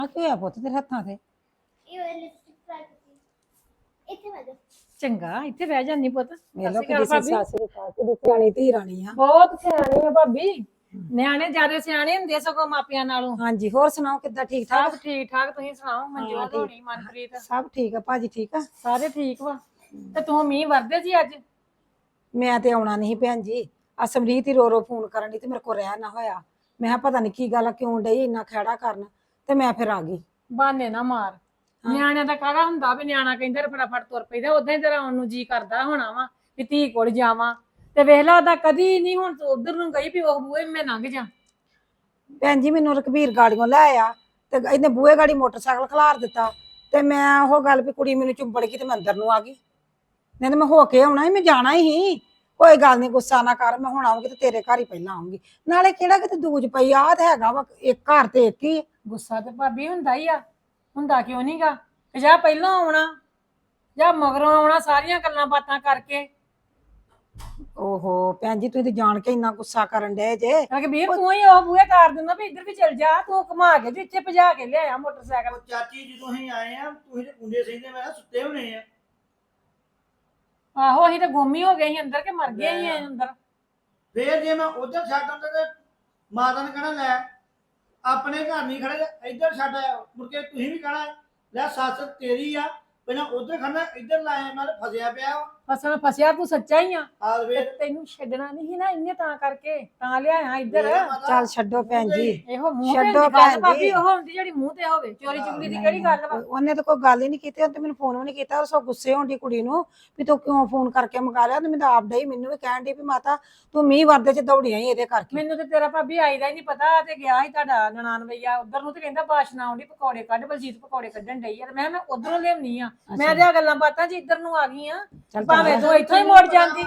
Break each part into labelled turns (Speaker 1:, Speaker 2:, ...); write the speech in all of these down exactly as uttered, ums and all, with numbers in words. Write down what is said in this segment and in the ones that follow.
Speaker 1: ਆ ਕੀ ਹੋਇਆ ਪੁੱਤ ਤੇਰੇ ਹੱਥਾਂ ਤੇ?
Speaker 2: ਇਹ ਵਾਲੀ ਲਿਪਸਟਿਕ ਟਰਾਈ ਕੀਤੀ ਇੱਥੇ ਬੈਠੋ।
Speaker 3: ਚੰਗਾ ਇੱਥੇ ਬਹਿ ਜਾਂਦੀ ਪੁੱਤ।
Speaker 1: ਵੇਲੋ
Speaker 3: ਸਤਿ
Speaker 1: ਕਿਦੀ
Speaker 3: ਸ਼੍ਰੀ ਅਕਾਲ
Speaker 1: ਸੱਸ ਦੇ ਪਾਸ ਦੀ ਸਿਆਣੀ ਧੀ ਰਾਣੀ ਆ।
Speaker 3: ਬਹੁਤ ਸਿਆਣੀ ਆ ਭਾਬੀ। ਨਿਆਣੇ ਜਿਆਦਾ ਸਿਆਣੇ ਹੁੰਦੇ ਸਗੋਂ ਮਾਪਿਆਂ ਨਾਲੋਂ।
Speaker 1: ਹਾਂਜੀ ਹੋਰ ਸੁਣਾਓ ਕਿੱਦਾਂ ਠੀਕ ਠਾਕ?
Speaker 3: ਸਭ ਠੀਕ ਠਾਕ ਤੁਸੀਂ ਸੁਣਾਓ ਮਨਜੋਤ
Speaker 1: ਠੀਕ।
Speaker 3: ਹੋਣੀ ਮਨਪ੍ਰੀਤ
Speaker 1: ਸਭ ਠੀਕ ਆ ਭਾਜੀ ਠੀਕ ਆ।
Speaker 3: ਸਾਰੇ ਠੀਕ ਵਾ। ਤੇ ਤੂੰ ਮੀਂਹ ਵਰਦੇ ਜੀ ਅੱਜ?
Speaker 1: ਮੈਂ ਤੇ ਆਉਣਾ ਨਹੀਂ ਭੈਣ ਜੀ। ਆ ਸਮਰੀਤ ਹੀ ਰੋ ਰੋ ਫੋਨ ਕਰਨ ਦੀ ਤੇ ਮੇਰੇ ਕੋਲ ਰਹਿ ਨਾ ਹੋਇਆ। ਮੈਂ ਕਿਹਾ ਪਤਾ ਨਹੀਂ ਕੀ ਗੱਲ ਆ ਕਿਉਂ ਡਈ ਇੰਨਾ ਖਹਿੜਾ ਕਰਨ ਤੇ ਮੈਂ ਫਿਰ ਆ ਗਈ।
Speaker 3: ਬਹਾਨੇ ਨਾ ਮਾਰ। ਨਿਆਣਿਆਂ ਦਾ ਕਾਹਦਾ ਹੁੰਦਾ ਵੀ ਨਿਆਣਾ ਕਹਿੰਦਾ ਫਟਾਫਟ ਤੁਰ ਪੈਂਦਾ ਉਦਾਂ ਹੀ ਤੇਰਾ ਆਉਣ ਨੂੰ ਜੀ ਕਰਦਾ ਹੋਣਾ ਵਾ ਵੀ ਧੀ ਕੋਲ ਜਾਵਾਂ ਤੇ ਵੇਖ ਲਾ ਉਹਦਾ ਕਦੀ ਨਹੀਂ ਹੁਣ ਤੂੰ ਉਧਰ ਨੂੰ ਗਈ ਵੀ ਉਹ ਬੂਹੇ ਮੈਂ ਲੰਘ ਜਾ।
Speaker 1: ਭੈਣ ਜੀ ਮੈਨੂੰ ਰਕਬੀਰ ਗਾੜੀਆਂ ਲੈ ਆਇਆ ਤੇ ਇਹਨੇ ਬੂਹੇ ਗਾੜੀ ਮੋਟਰਸਾਈਕਲ ਖਲਾਰ ਦਿੱਤਾ ਤੇ ਮੈਂ ਉਹ ਗੱਲ ਵੀ ਕੁੜੀ ਮੈਨੂੰ ਚੁੰਬੜ ਗਈ ਤੇ ਮੈਂ ਅੰਦਰ ਨੂੰ ਆ ਗਈ। ਨਹੀਂ ਤੇ ਮੈਂ ਹੋ ਕੇ ਆਉਣਾ ਸੀ, ਮੈਂ ਜਾਣਾ ਹੀ। ਕੋਈ ਗੱਲ ਨਹੀਂ ਗੁੱਸਾ ਨਾ ਕਰ, ਮੈਂ ਹੁਣ ਆਉਂਗੀ ਤੇ ਤੇਰੇ ਘਰ ਹੀ ਪਹਿਲਾਂ ਆਉਂਗੀ। ਨਾਲੇ ਕਿਹੜਾ ਕਿਤੇ ਦੂਜ ਪਈ ਆ ਤੇ ਹੈਗਾ ਵਾ ਇੱਕ ਘਰ ਤੇ ਇੱਕ ਹੀ।
Speaker 3: ਗੁੱਸਾ ਤੇ ਭਾਬੀ ਹੁੰਦਾ ਹੀ ਆ, ਹੁੰਦਾ ਕਿਉਂ ਨਹੀਂਗਾ? ਜਾਂ ਪਹਿਲਾਂ ਆਉਣਾ ਜਾਂ ਮਗਰੋਂ ਆਉਣਾ ਸਾਰੀਆਂ ਗੱਲਾਂ ਬਾਤਾਂ ਕਰਕੇ।
Speaker 1: ਓਹੋ ਭੈਣ ਜੀ ਤੁਸੀਂ ਤੇ ਜਾਣ ਕੇ ਇੰਨਾ ਗੁੱਸਾ ਕਰਨ ਡਏ ਜੇ।
Speaker 3: ਰਘਬੀਰ ਤੂੰ ਹੀ ਉਹ ਬੂਹੇ ਕਰ ਦਿੰਦਾ ਵੀ ਇੱਧਰ ਵੀ ਚੱਲ ਜਾ, ਤੂੰ ਘੁਮਾ ਕੇ ਤੇ ਇੱਥੇ ਭਜਾ ਕੇ ਲਿਆਇਆ ਮੋਟਰਸਾਈਕਲ।
Speaker 4: ਚਾਚੀ ਜਦੋਂ ਅਸੀਂ ਆਏ ਆ ਤੁਸੀਂ ਤੇ ਕੁੰਡੇ ਸਹੀਂਦੇ ਮੈਂ ਕਿਹਾ ਸੁੱਤੇ ਹੋਣੇ ਆ।
Speaker 3: ਆਹੋ ਅਸੀਂ ਤਾਂ ਗੁੰਮ ਹੀ ਹੋ ਗਏ ਸੀ ਅੰਦਰ ਕਿ ਮਰ ਗਏ ਸੀ ਅੰਦਰ।
Speaker 4: ਫੇਰ ਜੇ ਮੈਂ ਉਧਰ ਛੱਡ ਆਉਂਦਾ ਤੇ ਮਾਤਾ ਨੇ ਕਹਿਣਾ ਲੈ ਆਪਣੇ ਘਰ ਨਹੀਂ ਖੜੇ ਤੇ ਇੱਧਰ ਛੱਡ ਆਇਆ। ਮੁੜ ਕੇ ਤੁਸੀਂ ਵੀ ਕਹਿਣਾ ਲੈ ਸੱਸ ਤੇਰੀ ਆ ਪਹਿਲਾਂ ਉਧਰ ਖੜਨਾ ਇੱਧਰ ਲਾਇਆ ਮੈਂ ਫਸਿਆ ਪਿਆ ਵਾ।
Speaker 3: ਫਸਣ ਫਸਿਆ ਤੂੰ ਸੱਚਾ ਹੀ ਆ।
Speaker 4: ਆ
Speaker 3: ਤੇ
Speaker 4: ਵੇਰ
Speaker 3: ਤੈਨੂੰ ਛੱਡਣਾ ਨਹੀਂ ਨਾ ਇਹਨੇ ਤਾਂ ਕਰਕੇ ਤਾਂ ਲਿਆਇਆ ਇੱਧਰ।
Speaker 1: ਚੱਲ ਛੱਡੋ ਭੈਣ ਜੀ।
Speaker 3: ਇਹੋ ਮੂੰਹ ਤੇ
Speaker 1: ਛੱਡੋ
Speaker 3: ਗੱਲ
Speaker 1: ਭੈਣ
Speaker 3: ਭਾਬੀ
Speaker 1: ਜੀ।
Speaker 3: ਉਹ ਹੁੰਦੀ ਜਿਹੜੀ ਮੂੰਹ ਤੇ ਹੋਵੇ। ਚੋਰੀ ਚੁਗਲੀ ਦੀ ਕਿਹੜੀ ਗੱਲ ਵਾ?
Speaker 1: ਉਹਨੇ ਤਾਂ ਕੋਈ ਗੱਲ ਹੀ ਨਹੀਂ ਕੀਤੀ। ਉਹਨੇ ਮੈਨੂੰ ਫੋਨ ਵੀ ਨਹੀਂ ਕੀਤਾ। ਉਹ ਸੋ ਗੁੱਸੇ ਹੋਣ ਦੀ ਕੁੜੀ ਨੂੰ ਵੀ ਤੂੰ ਕਿਉਂ ਫੋਨ ਕਰਕੇ ਮੰਗਾ ਲਿਆ। ਤੇ ਮੈਨੂੰ ਆਪ ਡਈ ਮੈਨੂੰ ਵੀ ਕਹਿਣ ਦੀ ਵੀ ਮਾਤਾ ਤੂੰ ਮੀਂਹ ਵਰਦੇ ਚ ਦੌੜੀਆਂ ਹੀ ਇਹਦੇ ਕਰਕੇ।
Speaker 3: ਮੈਨੂੰ ਤੇ ਤੇਰਾ ਭਾਬੀ ਆਈ ਦਾ ਹੀ ਨਹੀਂ ਪਤਾ ਤੇ ਗਿਆ ਸੀ ਤੁਹਾਡਾ ਨਨਾਣ ਭਈਆ ਉਧਰ ਨੂੰ ਤੇ ਕਹਿੰਦਾ ਬਾਸ਼ਨਾ ਆਉਂਦੀ ਪਕੌੜੇ ਕੱਢ ਬਲਜੀਤ ਪਕੌੜੇ ਕੱਢਣ ਡਈ ਯਾਰ। ਮੈਂ ਮੈਂ ਉਧਰੋਂ ਲਿਆਉਣੀ ਆ। ਮੈਂ ਤੇ ਆ ਗੱਲਾਂ ਬਾਤਾਂ ਚ ਇੱਧਰ ਨੂੰ ਆ ਗਈ ਆ। ਭਾਵੇਂ ਤੂੰ ਇੱਥੋਂ ਹੀ ਮੁੜ ਜਾਂਦੀ।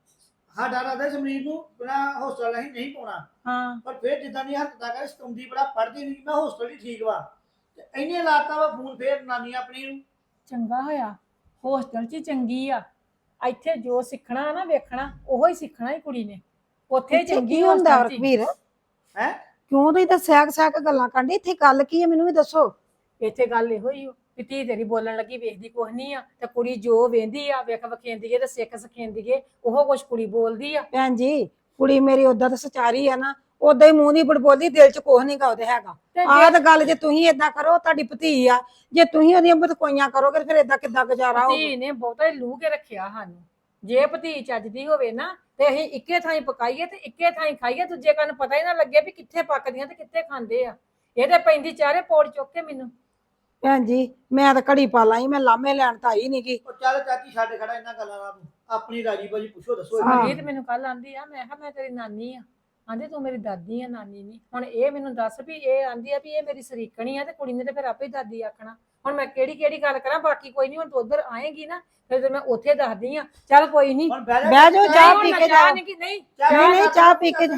Speaker 4: ਸਾਡਾ ਰਾਦਾ ਸਮਰੀਰ ਨੂੰ ਬਿਨਾ ਹੋਸਟਲ ਅਸੀਂ ਨਹੀਂ ਪਾਉਣਾ।
Speaker 3: ਹਾਂ
Speaker 4: ਪਰ ਫੇਰ ਜਿੱਦਾਂ ਦੀ ਹਰਕਤਾਂ ਕਰ ਸਤੰਦੀ ਬੜਾ ਪੜਦੀ ਨਹੀਂ ਮੈਂ ਹੋਸਟਲ ਹੀ ਠੀਕ ਵਾ ਤੇ ਇਹਨੇ ਲਾਤਾ ਵਾ ਫੋਨ ਫੇਰ ਨਾਨੀ ਆਪਣੀ ਨੂੰ।
Speaker 3: ਚੰਗਾ ਹੋਇਆ ਹੋਸਟਲ 'ਚ ਚੰਗੀ ਆ। ਇੱਥੇ ਜੋ ਸਿੱਖਣਾ ਨਾ ਵੇਖਣਾ ਉਹੋ ਹੀ ਸਿੱਖਣਾ ਹੀ ਕੁੜੀ ਨੇ। ਉੱਥੇ
Speaker 1: ਇੱਥੇ
Speaker 3: ਚੰਗੀ
Speaker 1: ਕੀ ਹੁੰਦਾ
Speaker 3: ਹੋਸਟਲ 'ਚ।
Speaker 1: ਰਕਬੀਰ?
Speaker 4: ਹੈ
Speaker 1: ਕਿਉਂ ਤੁਸੀਂ ਤਾਂ ਸੈਕ ਸੈਕ ਗੱਲਾਂ ਕਰਦੇ? ਇੱਥੇ ਗੱਲ ਕੀ ਹੈ ਮੈਨੂੰ ਵੀ ਦੱਸੋ।
Speaker 3: ਇੱਥੇ ਗੱਲ ਇਹੋ ਹੀ ਓ ਵੀ ਧੀ ਤੇਰੀ ਬੋਲਣ ਲੱਗੀ ਵੇਖਦੀ ਕੁਛ ਨਹੀਂ ਆ ਤੇ ਕੁੜੀ ਜੋ ਵੇਂਦੀ ਆ ਵੇਖ ਵਖੇਂਦੀ ਏ ਤੇ ਸਿੱਖ ਸਖੇਂਦੀ ਏ ਉਹ ਕੁਛ ਕੁੜੀ ਬੋਲਦੀ ਆ।
Speaker 1: ਭੈਣ ਜੀ ਕੁੜੀ ਮੇਰੀ ਓਦਾਂ ਤਾਂ ਸਚਾਰੀ ਆ ਨਾ, ਓਦਾਂ ਹੀ ਮੂੰਹ ਨਹੀਂ ਬੜਬੋਲਦੀ, ਦਿਲ ਚ ਕੁਛ ਨਹੀਂ ਗਾ ਉਹਦੇ ਹੈਗਾ। ਆਹ ਤਾਂ ਗੱਲ ਜੇ ਤੁਸੀਂ ਏਦਾਂ ਕਰੋ ਤੁਹਾਡੀ ਭਤੀ ਆ, ਜੇ ਤੁਸੀਂ ਉਹਦੀਆਂ ਬਤਕੋਈਆਂ ਕਰੋਗੇ ਫਿਰ ਏਦਾਂ ਕਿੱਦਾਂ ਗੁਜ਼ਾਰਾ ਹੋਊਗਾ?
Speaker 3: ਧੀ ਨੇ ਬਹੁਤਾ ਹੀ ਲੂਹ ਕੇ ਰੱਖਿਆ ਸਾਨੂੰ। ਜੇ ਭਤੀ ਚੱਜਦੀ ਹੋਵੇ ਨਾ ਤੇ ਅਸੀਂ ਇੱਕੇ ਥਾਂ ਪਕਾਈਏ ਤੇ ਇੱਕੇ ਥਾਂ ਖਾਈਏ, ਦੂਜੇ ਕੰਨ ਪਤਾ ਹੀ ਨਾ ਲੱਗੇ ਵੀ ਕਿੱਥੇ ਪੱਕਦੀਆਂ ਤੇ ਕਿੱਥੇ ਖਾਂਦੇ ਆ। ਇਹ ਤੇ ਪੈਂਦੀ ਚਾਰੇ ਪੌੜ ਚੁੱਕ ਕੇ ਮੈਨੂੰ।
Speaker 1: ਭੈਣ ਜੀ ਮੈਂ ਤਾਂ ਘੜੀ ਪਾ ਲਾਈ, ਮੈਂ ਲਾਮੇ ਲੈਣ ਤਾਂ ਆਈ ਨੀ ਗੀ।
Speaker 4: ਉਹ ਚੱਲ ਚਾਚੀ ਛੱਡ ਖੜਾ ਇਹਨਾਂ ਗੱਲਾਂ ਦਾ ਤੂੰ ਆਪਣੀ ਰਾਜੀ ਬਾਜੀ ਪੁੱਛੋ ਦੱਸੋ।
Speaker 1: ਹਾਂ।
Speaker 3: ਇਹ ਤੇ ਮੈਨੂੰ ਕੱਲ ਆਂਦੀ ਆ, ਮੈਂ ਕਿਹਾ ਮੈਂ ਤੇਰੀ ਨਾਨੀ ਆ। ਆਂਦੀ ਤੂੰ ਮੇਰੀ ਦਾਦੀ ਆ ਨਾਨੀ ਨਹੀਂ। ਹੁਣ ਇਹ ਮੈਨੂੰ ਦੱਸ ਵੀ ਇਹ ਆਂਦੀ ਆ ਵੀ ਇਹ ਮੇਰੀ ਸਰੀਕਣੀ ਆ ਤੇ ਕੁੜੀ ਨੇ ਤੇ ਫਿਰ ਆਪੇ ਹੀ ਦਾਦੀ ਆਖਣਾ। ਹੁਣ ਮੈਂ ਕਿਹੜੀ ਕਿਹੜੀ ਗੱਲ ਕਰਾਂ? ਬਾਕੀ ਕੋਈ ਨਹੀਂ, ਹੁਣ ਤੂੰ ਉਧਰ ਆਏਗੀ ਨਾ ਫਿਰ ਤੇ ਮੈਂ ਉੱਥੇ ਦੱਸਦੀ ਆ। ਚੱਲ ਕੋਈ ਨਹੀਂ
Speaker 4: ਹੁਣ ਬਹਿ
Speaker 1: ਬਹਿ ਜਾਓ, ਚਾਹ
Speaker 3: ਹੁਣ
Speaker 1: ਪੀ
Speaker 3: ਮੈਂ
Speaker 1: ਕੇ
Speaker 3: ਚਾਹ
Speaker 1: ਜਾਓ।
Speaker 3: ਨਹੀਂ ਕਿ ਨਹੀਂ
Speaker 1: ਨਹੀਂ, ਨਹੀਂ, ਚਾਹ ਪੀ ਕੇ ਜਾ।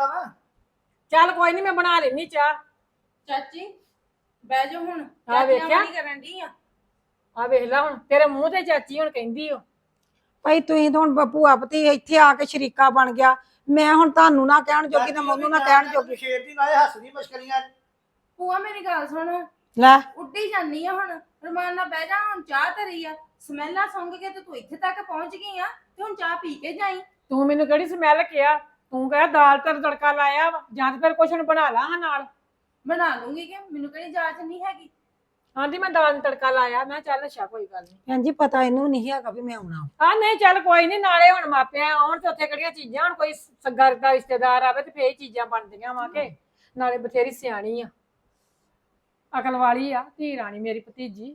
Speaker 3: ਚੱਲ ਕੋਈ ਨਹੀਂ ਮੈਂ ਬਣਾ ਲੈਣੀ ਚਾਹ।
Speaker 5: ਚਾਚੀ ਬਹਿ ਜਾ ਹੁਣ।
Speaker 3: ਆ ਵੇਖਿਆ
Speaker 5: ਕੀ ਕਰਨ ਦੀ ਆ?
Speaker 3: ਆ ਵੇਖ ਲੈ ਹੁਣ ਤੇਰੇ ਮੂੰਹ ਤੇ ਚਾਚੀ ਹੁਣ ਕਹਿੰਦੀ ਓ।
Speaker 1: ਭਾਈ ਤੁਸੀਂ ਤਾਂ ਹੁਣ ਭੂਆ ਭਤੀ ਇੱਥੇ ਆ ਕੇ ਸ਼ਰੀਕਾ ਬਣ ਗਿਆ। ਮੈਂ ਹੁਣ ਤੁਹਾਨੂੰ ਨਾ ਕਹਿਣ ਜੋਗੀ ਨਾ ਮੈਨੂੰ ਨਾ ਕਹਿਣ ਜੋਗੀ।
Speaker 4: ਸ਼ੇਰ ਦੀ ਨਾਲੇ ਹੱਸਦੀ ਮਸ਼ਕਰੀਆਂ।
Speaker 5: ਭੂਆ ਮੇਰੀ ਗੱਲ ਸੁਣ,
Speaker 1: ਲੈ
Speaker 5: ਉੱਡੀ ਜਾਨੀ ਆ ਹੁਣ। ਰਮਾਨ ਨਾਲ ਬਹਿ ਜਾ, ਹੁਣ ਚਾਹ ਧਰੀ ਆ। ਸਮੈਲਾਂ ਸੁੰਘ ਕੇ ਤੇ ਤੂੰ ਇੱਥੇ ਤੱਕ ਪਹੁੰਚ ਗਈ ਆ ਤੇ ਹੁਣ ਚਾਹ ਪੀ ਕੇ ਜਾਈ।
Speaker 3: ਤੂੰ ਮੈਨੂੰ ਕਿਹੜੀ ਸਮੈਲ ਕਿਹਾ? ਤੂੰ ਕਹਿ ਦਾਲ ਤੇ ਤੜਕਾ ਲਾਇਆ ਵਾ ਜਾਂ ਤੇ ਫਿਰ ਕੁਛ ਹੁਣ ਬਣਾ ਲਾ ਹਾਂ ਨਾਲ।
Speaker 5: ਬਣਾ ਲੂੰਗੀ ਕਿ ਮੈਨੂੰ ਕਿਹੜੀ ਜਾਚ ਨਹੀਂ ਹੈਗੀ।
Speaker 3: ਆਂਦੀ ਮੈਂ ਦਾਲ ਨੂੰ ਤੜਕਾ ਲਾਇਆ। ਮੈਂ ਚੱਲ ਅੱਛਾ ਕੋਈ ਗੱਲ ਨਹੀਂ।
Speaker 1: ਭੈਣ ਜੀ ਪਤਾ ਇਹਨੂੰ ਨਹੀਂ ਹੈਗਾ ਵੀ ਮੈਂ ਆਉਣਾ।
Speaker 3: ਹਾਂ ਨਹੀਂ ਚੱਲ ਕੋਈ ਨਹੀਂ, ਨਾਲੇ ਹੁਣ ਮਾਪਿਆਂ ਆਉਣ ਤੇ ਉੱਥੇ ਕਿਹੜੀਆਂ ਚੀਜ਼ਾਂ, ਹੁਣ ਕੋਈ ਸੱਗਾ ਦਾ ਰਿਸ਼ਤੇਦਾਰ ਆਵੇ ਤੇ ਫੇਰ ਚੀਜ਼ਾਂ ਬਣਦੀਆਂ ਵਾ ਕੇ। ਨਾਲੇ ਬਥੇਰੀ ਸਿਆਣੀ ਆ, ਅਕਲ ਵਾਲੀ ਆ ਧੀ ਰਾਣੀ ਮੇਰੀ ਭਤੀਜੀ।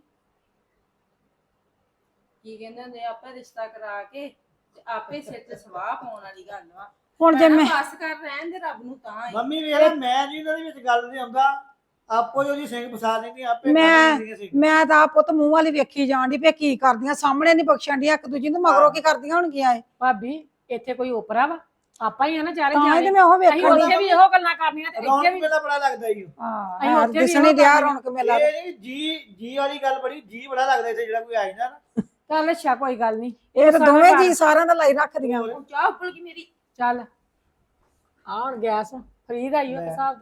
Speaker 5: ਕੀ ਕਹਿੰਦੇ ਹੁੰਦੇ ਆਪੇ ਰਿਸ਼ਤਾ ਕਰਾ ਕੇ ਤੇ ਆਪੇ ਸਿਰ ਤੇ ਸਵਾਹ ਪਾਉਣ ਵਾਲੀ ਗੱਲ ਵਾ।
Speaker 1: ਹੁਣ ਜੇ ਮੈਂ
Speaker 5: ਬਸ ਕਰ ਰਹਿਣ ਦੇ ਰੱਬ ਨੂੰ ਤਾਂ ਹੀ।
Speaker 4: ਮੰਮੀ ਵੇਖ ਮੈਂ ਜੀ ਇਹਨਾਂ ਦੇ ਵਿੱਚ ਗੱਲ ਨਹੀਂ ਆਉਂਦਾ। ਆਪੋ ਜੋ ਜੀ ਸਿੰਘ ਫਸਾ ਲੈਂਦੀ ਆਪੇ
Speaker 1: ਮੈਂ
Speaker 4: ਕਰ ਲੈਂਦੀਆਂ।
Speaker 1: ਮੈਂ ਤਾਂ ਆਪ ਪੁੱਤ ਮੂੰਹ ਵਾਲੀ ਵੇਖੀ ਜਾਣ ਦੀ ਵੀ ਕੀ ਕਰਦੀਆਂ, ਸਾਹਮਣੇ ਨਹੀਂ ਬਖਸ਼ਣ ਦੀਆਂ ਇੱਕ ਦੂਜੀ ਨੂੰ, ਮਗਰੋਂ ਕੀ ਕਰਦੀਆਂ ਹੋਣਗੀਆਂ ਇਹ।
Speaker 3: ਭਾਬੀ ਇੱਥੇ ਕੋਈ ਓਪਰਾ ਵਾ? ਆਪਾਂ ਹੀ ਆ ਨਾ ਚਾਰੇ
Speaker 1: ਤਾਂ ਹੀ
Speaker 3: ਜਾਣੇ।
Speaker 1: ਤੇ ਮੈਂ ਉਹ
Speaker 3: ਅਸੀਂ
Speaker 1: ਵੇਖਣ
Speaker 3: ਉੱਥੇ ਵੀ ਇਹੋ ਗੱਲਾਂ ਕਰਨੀਆਂ ਤੇ ਇੱਥੇ
Speaker 4: ਰੌਣਕ
Speaker 3: ਵੀ।
Speaker 4: ਮੇਲਾ ਬੜਾ ਲੱਗਦਾ ਈ ਓ।
Speaker 3: ਅਸੀਂ
Speaker 1: ਹਾਂ
Speaker 3: ਉੱਥੇ ਵੀ
Speaker 1: ਦਿਸਣੀ
Speaker 3: ਇਹੋ
Speaker 1: ਦਿਆ
Speaker 3: ਕਰਨੀਆਂ।
Speaker 1: ਰੌਣਕ ਮੇਲਾ।
Speaker 4: ਇਹ ਨੀ ਜੀ ਜੀ ਵਾਲੀ ਗੱਲ ਬੜੀ ਜੀ ਬੜਾ ਲੱਗਦਾ ਇੱਥੇ ਜਿਹੜਾ ਕੋਈ ਆ ਜਾਂਦਾ ਨਾ।
Speaker 3: ਚੱਲ ਅੱਛਾ ਕੋਈ ਗੱਲ ਨਹੀਂ।
Speaker 1: ਇਹ ਤਾਂ ਦੋਵੇਂ ਜੀ ਸਾਰਿਆਂ ਦਾ ਲਾਈ ਰੱਖਦੀਆਂ।
Speaker 5: ਹੁਣ ਚਾਹ ਉੱਪਲ ਗਈ ਮੇਰੀ।
Speaker 3: ਚੱਲ ਆ ਹੁਣ ਗੈਸ ਫਰੀ ਦਾ ਹੀ ਉਹ ਹਿਸਾਬ ਦਾ।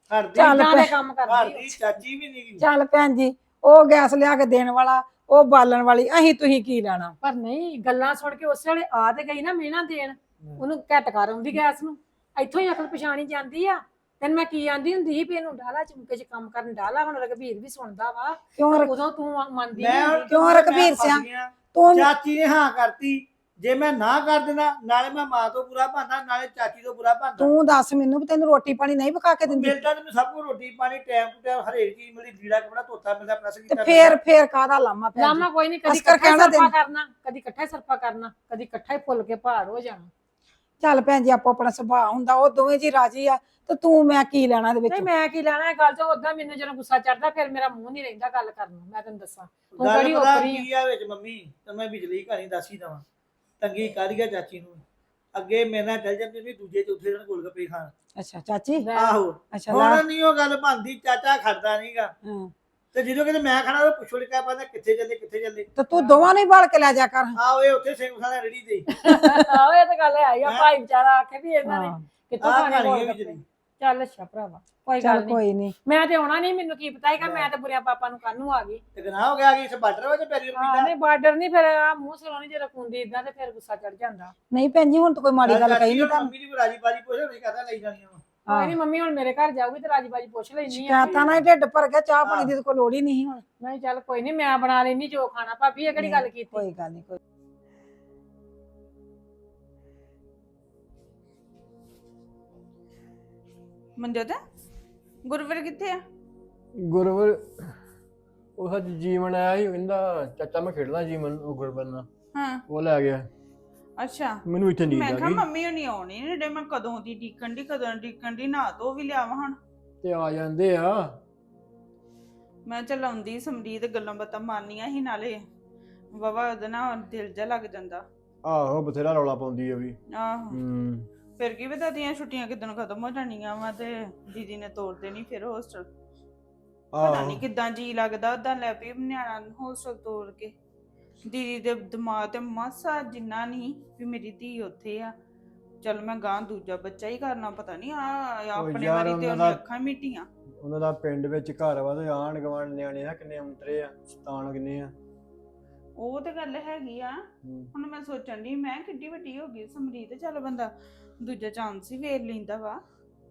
Speaker 4: ਘਰ ਦੀ
Speaker 1: ਚੱਲ
Speaker 3: ਇਦਾਂ ਦੇ
Speaker 1: ਭੈ-
Speaker 3: ਕੰਮ
Speaker 4: ਘਰ
Speaker 3: ਕਰਦੀ
Speaker 4: ਦੀ ਚਾਚੀ ਵੀ ਨਹੀਂ ਗਈ।
Speaker 1: ਚੱਲ ਭੈਣ ਜੀ ਉਹ ਗੈਸ ਲਿਆ ਕੇ ਦੇਣ ਵਾਲਾ ਉਹ ਬਾਲਣ ਵਾਲੀ ਅਸੀਂ ਤੁਸੀਂ ਕੀ ਲੈਣਾ।
Speaker 3: ਪਰ ਨਹੀਂ ਗੱਲਾਂ ਸੁਣ ਕੇ ਉਸੇ ਵੇਲੇ ਆ ਤੇ ਗਈ ਨਾ ਮਿਹਣਾ ਦੇਣ ਉਹਨੂੰ ਘੱਟ ਕਰ ਆਉਂਦੀ ਗੈਸ ਨੂੰ ਇੱਥੋਂ ਹੀ ਅਕਲ ਪਛਾਣੀ ਜਾਂਦੀ ਆ ਤੈਨੂੰ ਮੈਂ ਕੀ ਆਂਦੀ ਹੁੰਦੀ ਸੀ ਵੀ ਇਹਨੂੰ ਡਾਲਾ ਚੁੰਕੇ ਚ ਕੰਮ ਕਰਨ ਡਾਲਾ ਹੁਣ ਰਘਬੀਰ ਵੀ ਸੁਣਦਾ ਵਾ
Speaker 1: ਕਿਉਂ ਰ-
Speaker 3: ਉਦੋਂ ਤੂੰ ਮੰਨਦੀ
Speaker 4: ਮੈਂ
Speaker 3: ਨਹੀਂ
Speaker 4: ਹੁਣ
Speaker 1: ਕਿਉਂ
Speaker 4: ਮੈਂ
Speaker 1: ਰਘਬੀਰ
Speaker 4: ਫਸ
Speaker 1: ਸਿਆਂ?
Speaker 4: ਗਿਆ।
Speaker 1: ਤੂੰ
Speaker 4: ਚਾਚੀ ਨੇ ਹਾਂ ਕਰਤੀ, ਜੇ ਮੈਂ ਨਾ ਕਰ ਦਿੰਦਾ ਨਾਲੇ ਮੈਂ ਮਾਂ ਤੋਂ ਬੁਰਾ ਭਾਂਦਾ ਨਾਲੇ ਚਾਚੀ ਤੋਂ ਬੁਰਾ ਭਾਂਦਾ।
Speaker 1: ਤੂੰ ਦੱਸ ਮੈਨੂੰ ਵੀ ਤੈਨੂੰ ਰੋਟੀ ਪਾਣੀ ਨਹੀਂ ਪਕਾ ਕੇ ਦਿੰਦੀ
Speaker 4: ਮਿਲਦਾ ਤੇ ਸਭ ਕੁਝ ਰੋਟੀ ਪਾਣੀ ਟਾਈਮ ਟੂ ਟਾਈਮ ਹਰੇਕ ਚੀਜ਼ ਮਿਲਦੀ, ਲੀੜਾ ਕਪੜਾ ਧੋਤਾ ਮਿਲਦਾ, ਪ੍ਰੈਸ
Speaker 1: ਤੇ
Speaker 4: ਕੀਤਾ
Speaker 1: ਫੇਰ ਫੇਰ ਕਾਹਦਾ ਲਾਮਾ ਭੈਣ ਜੀ?
Speaker 3: ਲਾਮਾ ਕੋਈ ਨਹੀਂ ਕਦੀ
Speaker 1: ਅਸਕਰ
Speaker 3: ਇਕੱਠਾ
Speaker 1: ਕਹਿਣਾ
Speaker 3: ਸਰਫਾ
Speaker 1: ਤੈਨੂੰ।
Speaker 3: ਕਰਨਾ ਕਦੀ ਇਕੱਠਾ ਸਰਫਾ ਕਰਨਾ ਕਦੀ ਇਕੱਠਾ ਹੀ ਫੁੱਲ ਕੇ ਭਾਰ ਹੋ ਜਾਣਾ
Speaker 1: ਚੱਲ ਭੈਣ ਜੀ ਆਪੋ ਆਪਣਾ ਸੁਭਾਅ ਹੁੰਦਾ ਉਹ ਦੋਵੇਂ ਜੀ ਰਾਜੀ ਆ ਤੇ ਤੂੰ ਮੈਂ ਕੀ ਲੈਣਾ ਇਹਦੇ
Speaker 3: ਨਹੀਂ
Speaker 1: ਵਿੱਚ।
Speaker 3: ਮੈਂ ਕੀ ਲੈਣਾ ਇਹ ਗੱਲ ਤੋਂ ਉਦਾਂ ਮੈਨੂੰ ਜਦੋਂ ਗੁੱਸਾ ਚੜਦਾ ਫਿਰ ਮੇਰਾ ਮੂੰਹ ਨਹੀਂ ਰਹਿੰਦਾ ਗੱਲ ਕਰਨ ਨੂੰ ਮੈਂ ਤੈਨੂੰ ਦੱਸਾਂ ਤੂੰ
Speaker 4: ਗੱਲ
Speaker 3: ਕਿਹੜੀ
Speaker 4: ਪਤਾ
Speaker 3: ਓਪਰੀ ਆ
Speaker 4: ਕੀ ਆ ਵਿੱਚ ਮੰਮੀ ਤੇ ਮੈਂ ਬਿਜਲੀ ਕਹਾਣੀ ਦੱਸ ਹੀ ਦਵਾਂ। ਤੰਗੀ ਕਰ ਗਿਆ ਚਾਚੀ ਨੂੰ, ਅੱਗੇ ਮੇਰੇ ਨਾਲ ਚੱਲ ਜਾਂਦੀ ਵੀ ਦੂਜੇ ਚੌਥੇ ਦਿਨ ਗੋਲਗੱਪੇ ਖਾਣ।
Speaker 1: ਅੱਛਾ ਚਾਚੀ
Speaker 3: ਲੈ।
Speaker 4: ਆਹੋ
Speaker 1: ਅੱਛਾ ਲੈ
Speaker 4: ਹੁਣ ਨਹੀਂ ਉਹ ਗੱਲ ਬਣਦੀ, ਚਾਚਾ ਖੜਦਾ ਨਹੀਂਗਾ
Speaker 1: ਹਾਂ।
Speaker 4: ਤੇ ਜਦੋਂ ਕਿਤੇ ਮੈਂ ਖਾਣਾ ਉਹ ਪੁੱਛੋ ਲਿਆ ਪਾਦਾ ਕਿੱਥੇ ਚੱਲੇ ਕਿੱਥੇ ਚੱਲੇ।
Speaker 1: ਤੇ ਤੂੰ ਦੋਵਾਂ ਨੂੰ ਹੀ ਬਾਲ ਕੇ ਲੈ ਜਾ ਕਰ।
Speaker 4: ਆਹ ਇਹ ਉੱਥੇ ਸਿੰਘ ਖਾਣਾ ਰੇੜੀ ਤੇ
Speaker 3: ਆਹੋ ਇਹ ਤਾਂ ਗੱਲ ਹੈ ਆ
Speaker 4: ਹੈਂ?
Speaker 3: ਭਾਈ ਵਿਚਾਰਾ ਆਖੇ ਵੀ ਇਹਨਾਂ ਨੇ
Speaker 1: ਹਾਂ।
Speaker 3: ਕਿੱਥੋਂ
Speaker 4: ਆਹ
Speaker 3: ਖਾਣੇ
Speaker 4: ਕਹਾਣੀ
Speaker 3: ਗੋਲ
Speaker 4: ਹੈ
Speaker 3: ਗੱਪੇ।
Speaker 4: ਵਿਚਲੀ।
Speaker 3: ਚੱਲ ਅੱਛਾ ਭਰਾਵਾ ਕੋਈ
Speaker 1: ਚੱਲ
Speaker 3: ਗੱਲ ਨਹੀਂ
Speaker 1: ਕੋਈ ਨਹੀਂ
Speaker 3: ਮੈਂ ਤੇ ਆਉਣਾ ਨਹੀਂ ਮੈਨੂੰ ਕੀ ਪਤਾ ਹੈਗਾ ਮੈਂ ਤੇ ਬੁਰਿਆ ਪਾਪਾ ਨੂੰ ਕੱਲ ਨੂੰ ਆ ਗਈ
Speaker 4: ਤੇ ਗਨਾਹ ਹੋ ਗਿਆ ਕਿ ਇਸ ਬਾਰਡਰ ਵਿੱਚ ਪੈਰੀ
Speaker 3: ਹਾਂ
Speaker 4: ਰੁਪਈਦਾ।
Speaker 3: ਨਹੀਂ ਬਾਰਡਰ ਨਹੀਂ ਫਿਰ ਆ ਮੂੰਹ ਸਿਰੋਂ ਨਹੀਂ ਜੇ ਰਖੂੰਦੀ ਇਦਾਂ ਤੇ ਫਿਰ ਗੁੱਸਾ ਚੜ ਜਾਂਦਾ
Speaker 1: ਨਹੀਂ ਭੈਣ ਜੀ ਹੁਣ ਤਾਂ ਕੋਈ ਮਾੜੀ ਗੱਲ ਕਹੀ ਨਹੀਂ ਤੁਹਾਨੂੰ।
Speaker 4: ਮੰਮੀ ਦੀ ਰਾਜੀ ਬਾਜੀ ਪੁੱਛ ਨਹੀਂ ਕਹਤਾ ਲਈ ਜਾਣੀਆਂ ਵਾ।
Speaker 3: ਕੋਈ ਨਹੀਂ ਮੰਮੀ ਹੁਣ ਮੇਰੇ ਘਰ ਜਾਊਗੀ ਤੇ ਰਾਜੀ ਬਾਜੀ ਪੁੱਛ ਲੈਣੀ ਆ
Speaker 1: ਸ਼ਿਕਾਇਤਾਂ ਨਾਲ ਹੀ ਢਿੱਡ ਭਰ ਗਿਆ ਚਾਹ ਪਾਣੀ ਦੀ ਤਾਂ ਕੋਈ ਲੋੜ ਹੀ ਨਹੀਂ ਹੁਣ।
Speaker 3: ਨਹੀਂ ਚੱਲ ਕੋਈ ਨਹੀਂ ਮੈਂ ਬਣਾ ਲੈਣੀ ਜੋ ਖਾਣਾ ਭਾਬੀ ਇਹ ਕਿਹੜੀ ਗੱਲ ਕੀਤੀ
Speaker 1: ਕੋਈ ਗੱਲ ਨਹੀਂ ਕੋਈ
Speaker 5: ਮਨਜੋਤ ਗੁਰਵਰ ਕਿੱਥੇ ਆ?
Speaker 6: ਗੁਰਵਰ ਉਹ ਸੱਚ ਜੀਵਨ ਆਇਆ ਸੀ, ਕਹਿੰਦਾ ਚਾਚਾ ਮੈਂ ਖੇਡਣਾ ਜੀਵਨ ਉਹ ਗੁਰਵਰ ਨਾਲ,
Speaker 5: ਹਾਂ
Speaker 6: ਉਹ ਲੈ ਗਿਆ
Speaker 5: ਅੱਛਾ।
Speaker 6: ਮੈਨੂੰ ਇੱਥੇ ਨੀਂਦ
Speaker 5: ਮੈਂ
Speaker 6: ਆ
Speaker 5: ਕਿਹਾ
Speaker 6: ਗਈ
Speaker 5: ਮੰਮੀ ਹੋਣੀ ਆਉਣੀ ਨੇ ਡੇ ਮੈਂ ਕਦੋਂ ਦੀ ਡੀਕਣ ਦੀ ਕਦੋਂ ਡੀਕਣ ਦੀ ਨਾ ਧੋ ਵੀ ਲਿਆਵਾਂ ਹੁਣ।
Speaker 6: ਤੇ ਆ ਜਾਂਦੇ ਆ।
Speaker 5: ਮੈਂ ਚਲਾਉਂਦੀ ਸਮਰੀਤ ਗੱਲਾਂ ਬਾਤਾਂ ਮਾਰਨੀਆਂ ਸੀ ਨਾਲੇ ਵਾਵਾ ਉਹਦੇ ਨਾਲ ਦਿਲ ਜਾ ਲੱਗ ਜਾਂਦਾ।
Speaker 6: ਆਹੋ ਬਥੇਰਾ ਰੌਲਾ ਪਾਉਂਦੀ ਆ ਵੀ।
Speaker 5: ਆਹੋ
Speaker 6: ਹੂੰ
Speaker 5: ਫਿਰ ਕੀ ਪਤਾ ਦੀਆਂ ਛੁੱਟੀਆਂ ਕਿਦਣ ਖਤਮ ਹੋ ਜਾਣੀਆਂ ਵਾ ਤੇ ਦੀਦੀ ਨੇ ਤੋੜ ਦੇਣੀ ਫਿਰ ਹੋਸਟਲ। ਪਤਾ
Speaker 6: ਆਹੋ
Speaker 5: ਨਹੀਂ ਕਿਦਾਂ ਜੀ ਲੱਗਦਾ ਉਦਾਂ ਲੈ ਪਈ ਨਿਆਣਾ ਹੋਸਟਲ ਤੋੜ ਕੇ। ਦੀਦੀ ਦੇ ਦਿਮਾਗ ਤੇ ਮਾਸਾ ਜਿੰਨਾ ਨਹੀਂ ਵੀ ਮੇਰੀ ਧੀ ਉੱਥੇ ਆ, ਚਲ ਮੈਂ ਗਾਂ ਦੂਜਾ ਬੱਚਾ ਹੀ ਕਰਨਾ। ਪਤਾ ਨਹੀਂ ਆ ਆਪਣੇ
Speaker 6: ਯਾਰ
Speaker 5: ਵਾਰੀ ਤੇ
Speaker 6: ਉਹਨਾਂ
Speaker 5: ਉਹਨੇ
Speaker 6: ਦਾ-
Speaker 5: ਅੱਖਾਂ ਮਿਟੀਆਂ।
Speaker 6: ਉਹਨਾਂ ਦਾ ਪਿੰਡ ਵਿੱਚ ਘਰ ਵਾ ਤੇ ਆਂਢ ਗੁਆਂਢ ਨਿਆਣੇ ਆ ਕਿੰਨੇ ਅੰਤਰੇ ਆ, ਸ਼ਤਾਨ ਕਿੰਨੇ ਆ।
Speaker 5: ਉਹ ਤੇ ਗੱਲ ਹੈਗੀ ਆ।
Speaker 6: ਹੂੰ।
Speaker 5: ਹੁਣ ਮੈਂ ਸੋਚਣ ਦੀ ਮੈਂ ਕਿੱਡੀ ਵੱਡੀ ਹੋ ਗਈ ਸਮਰੀਤ, ਚੱਲ ਬੰਦਾ ਦੂਜਾ ਚਾਂਸ ਹੀ ਵੇਖ ਲੈਂਦਾ ਵਾ।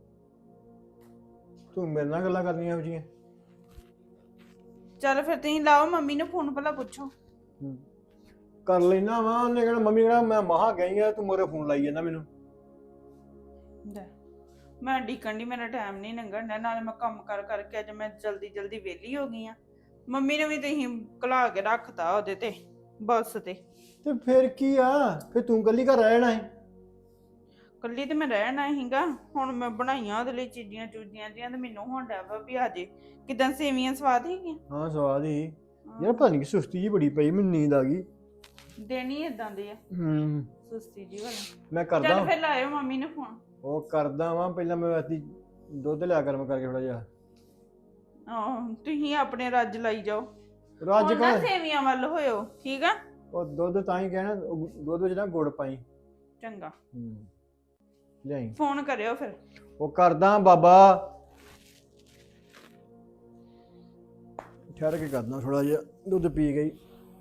Speaker 6: ਤੂੰ ਮੇਰੇ ਨਾਲ ਗੱਲਾਂ ਕਰਨੀਆਂ ਹੋ ਜੀਆਂ।
Speaker 5: ਚੱਲ ਫਿਰ ਤੁਸੀਂ ਲਾਓ ਮੰਮੀ ਨੂੰ ਫੋਨ ਭਲਾ ਪੁੱਛੋ।
Speaker 6: ਕਰ ਲੈਣਾ ਵਾ, ਉਹਨੇ ਕਹਿਣਾ ਮੰਮੀ ਕਹਿਣਾ ਮੈਂ ਮਹਾ ਗਈ ਆ ਤੂੰ ਮੋਰੇ ਫੋਨ ਲਾਈ ਜਾਂਦਾ ਮੈਨੂੰ।
Speaker 5: ਲੈ, ਮੈਂ ਡੀਕਣ ਦੀ ਮੇਰਾ ਟਾਈਮ ਨਹੀਂ ਲੰਘਣ ਡਿਆ, ਨਾਲੇ ਮੈਂ ਕੰਮ ਕਰ ਕਰਕੇ ਅੱਜ ਮੈਂ ਜਲਦੀ ਜਲਦੀ ਵਿਹਲੀ ਹੋ ਗਈ ਆ। ਮੰਮੀ ਨੇ ਵੀ ਤੁਸੀਂ ਘਲਾ ਕੇ ਰੱਖਤਾ ਉਹਦੇ ਤੇ ਬੱਸ ਤੇ।
Speaker 6: ਤੇ ਫਿਰ ਕੀ ਆ, ਫਿਰ ਤੂੰ ਕੱਲੀ ਘਰ ਰਹਿਣਾ ਹੈ।
Speaker 5: ਕੱਲੀ ਤੇ ਮੈਂ ਰਹਿਣਾ ਹੀਗਾ। ਹੁਣ ਮੈਂ ਬਣਾਈਆਂ ਉਹਦੇ ਲਈ ਚੀਜ਼ੀਆਂ ਚੂਜੀਆਂ ਜੀਆਂ ਤੇ ਮੈਨੂੰ ਹੁਣ ਡਿਆ ਵਾ ਵੀ ਆਜੇ। ਕਿਦਾਂ ਸੇਵੀਆਂ ਸਵਾਦ ਹੈਗੀਆਂ?
Speaker 6: ਹਾਂ ਸਵਾਦ ਹੀ ਯਾਰ, ਪਤਾ ਨਹੀਂ ਸੁਸਤੀ ਜੀ ਬੜੀ ਪਈ, ਮੈਨੂੰ ਨੀਂਦ ਆ ਗਈ।
Speaker 5: ਦੇਣੀ ਇਦਾਂ ਦੇ ਆ
Speaker 6: ਹੂੰ
Speaker 5: ਸੁਸਤੀ ਜੀ ਵਾਲੀ।
Speaker 6: ਮੈਂ
Speaker 5: ਚੱਲ
Speaker 6: ਕਰਦਾ
Speaker 5: ਫਿਰ ਲਾਇਓ ਮੰਮੀ ਨੂੰ ਫੋਨ।
Speaker 6: ਉਹ ਕਰਦਾ ਵਾਂ, ਪਹਿਲਾਂ ਮੈਂ ਵੈਸੇ ਦੁੱਧ ਲਿਆ ਗਰਮ ਕਰਕੇ ਥੋੜਾ ਜਿਹਾ।
Speaker 5: ਆਹ ਤੁਸੀਂ ਆਪਣੇ ਰੱਜ ਲਾਈ ਜਾਓ।
Speaker 6: ਰੱਜ
Speaker 5: ਹੁਣ ਨਾ
Speaker 6: ਕਾ
Speaker 5: ਸੇਵੀਆਂ ਵੱਲ ਹੋਇਓ, ਠੀਕ ਆ?
Speaker 6: ਉਹ ਦੁੱਧ ਤਾਂ ਹੀ ਕਹਿਣਾ, ਉਹ ਦੁੱਧ ਵਿੱਚ ਨਾ ਗੁੜ ਪਾਈ।
Speaker 5: ਚੰਗਾ,
Speaker 6: ਹੂੰ ਲਿਆਈ।
Speaker 5: ਫੋਨ ਕਰਿਓ ਫਿਰ।
Speaker 6: ਉਹ ਕਰਦਾ ਬਾਬਾ, ਠਹਿਰ ਕੇ ਕਰਦਾ ਥੋੜਾ ਜਿਹਾ, ਦੁੱਧ ਪੀ ਗਈ।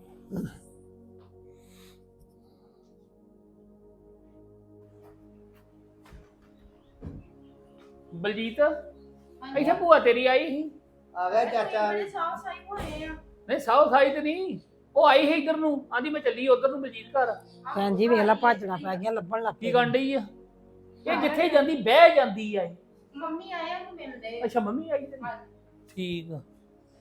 Speaker 7: ਬਲਜੀਤ ਇੱਥੇ ਭੂਆ ਤੇਰੀ ਆਈ ਸੀ।
Speaker 4: ਆ ਗਿਆ ਚਾਚਾ।
Speaker 5: ਸਾਫ ਸਾਈ ਹੋਏ ਆ।
Speaker 7: ਨਹੀਂ ਸਾਊ ਸਾਈ ਤੇ ਨਹੀਂ, ਉਹ ਆਈ ਸੀ ਇੱਧਰ ਨੂੰ, ਆਂਦੀ ਮੈਂ ਚੱਲੀ ਉਧਰ ਨੂੰ ਬਲਜੀਤ ਘਰ।
Speaker 1: ਭੈਣ ਜੀ ਵੇਖ ਲਾ ਭੱਜਣਾ ਪੈ ਗਿਆ ਲੱਭਣ ਲੱਗ
Speaker 7: ਕੀ
Speaker 1: ਪਈ।
Speaker 7: ਕਰਨ ਡਈ ਆ? ਇਹ ਜਿੱਥੇ ਜਾਂਦੀ ਬਹਿ ਜਾਂਦੀ ਆ ਇਹ।
Speaker 5: ਮੰਮੀ ਆਇਆ ਨੂੰ ਮਿਲਦੇ।
Speaker 7: ਅੱਛਾ ਮੰਮੀ ਆਈ ਤੇਰੀ? ਠੀਕ ਆ।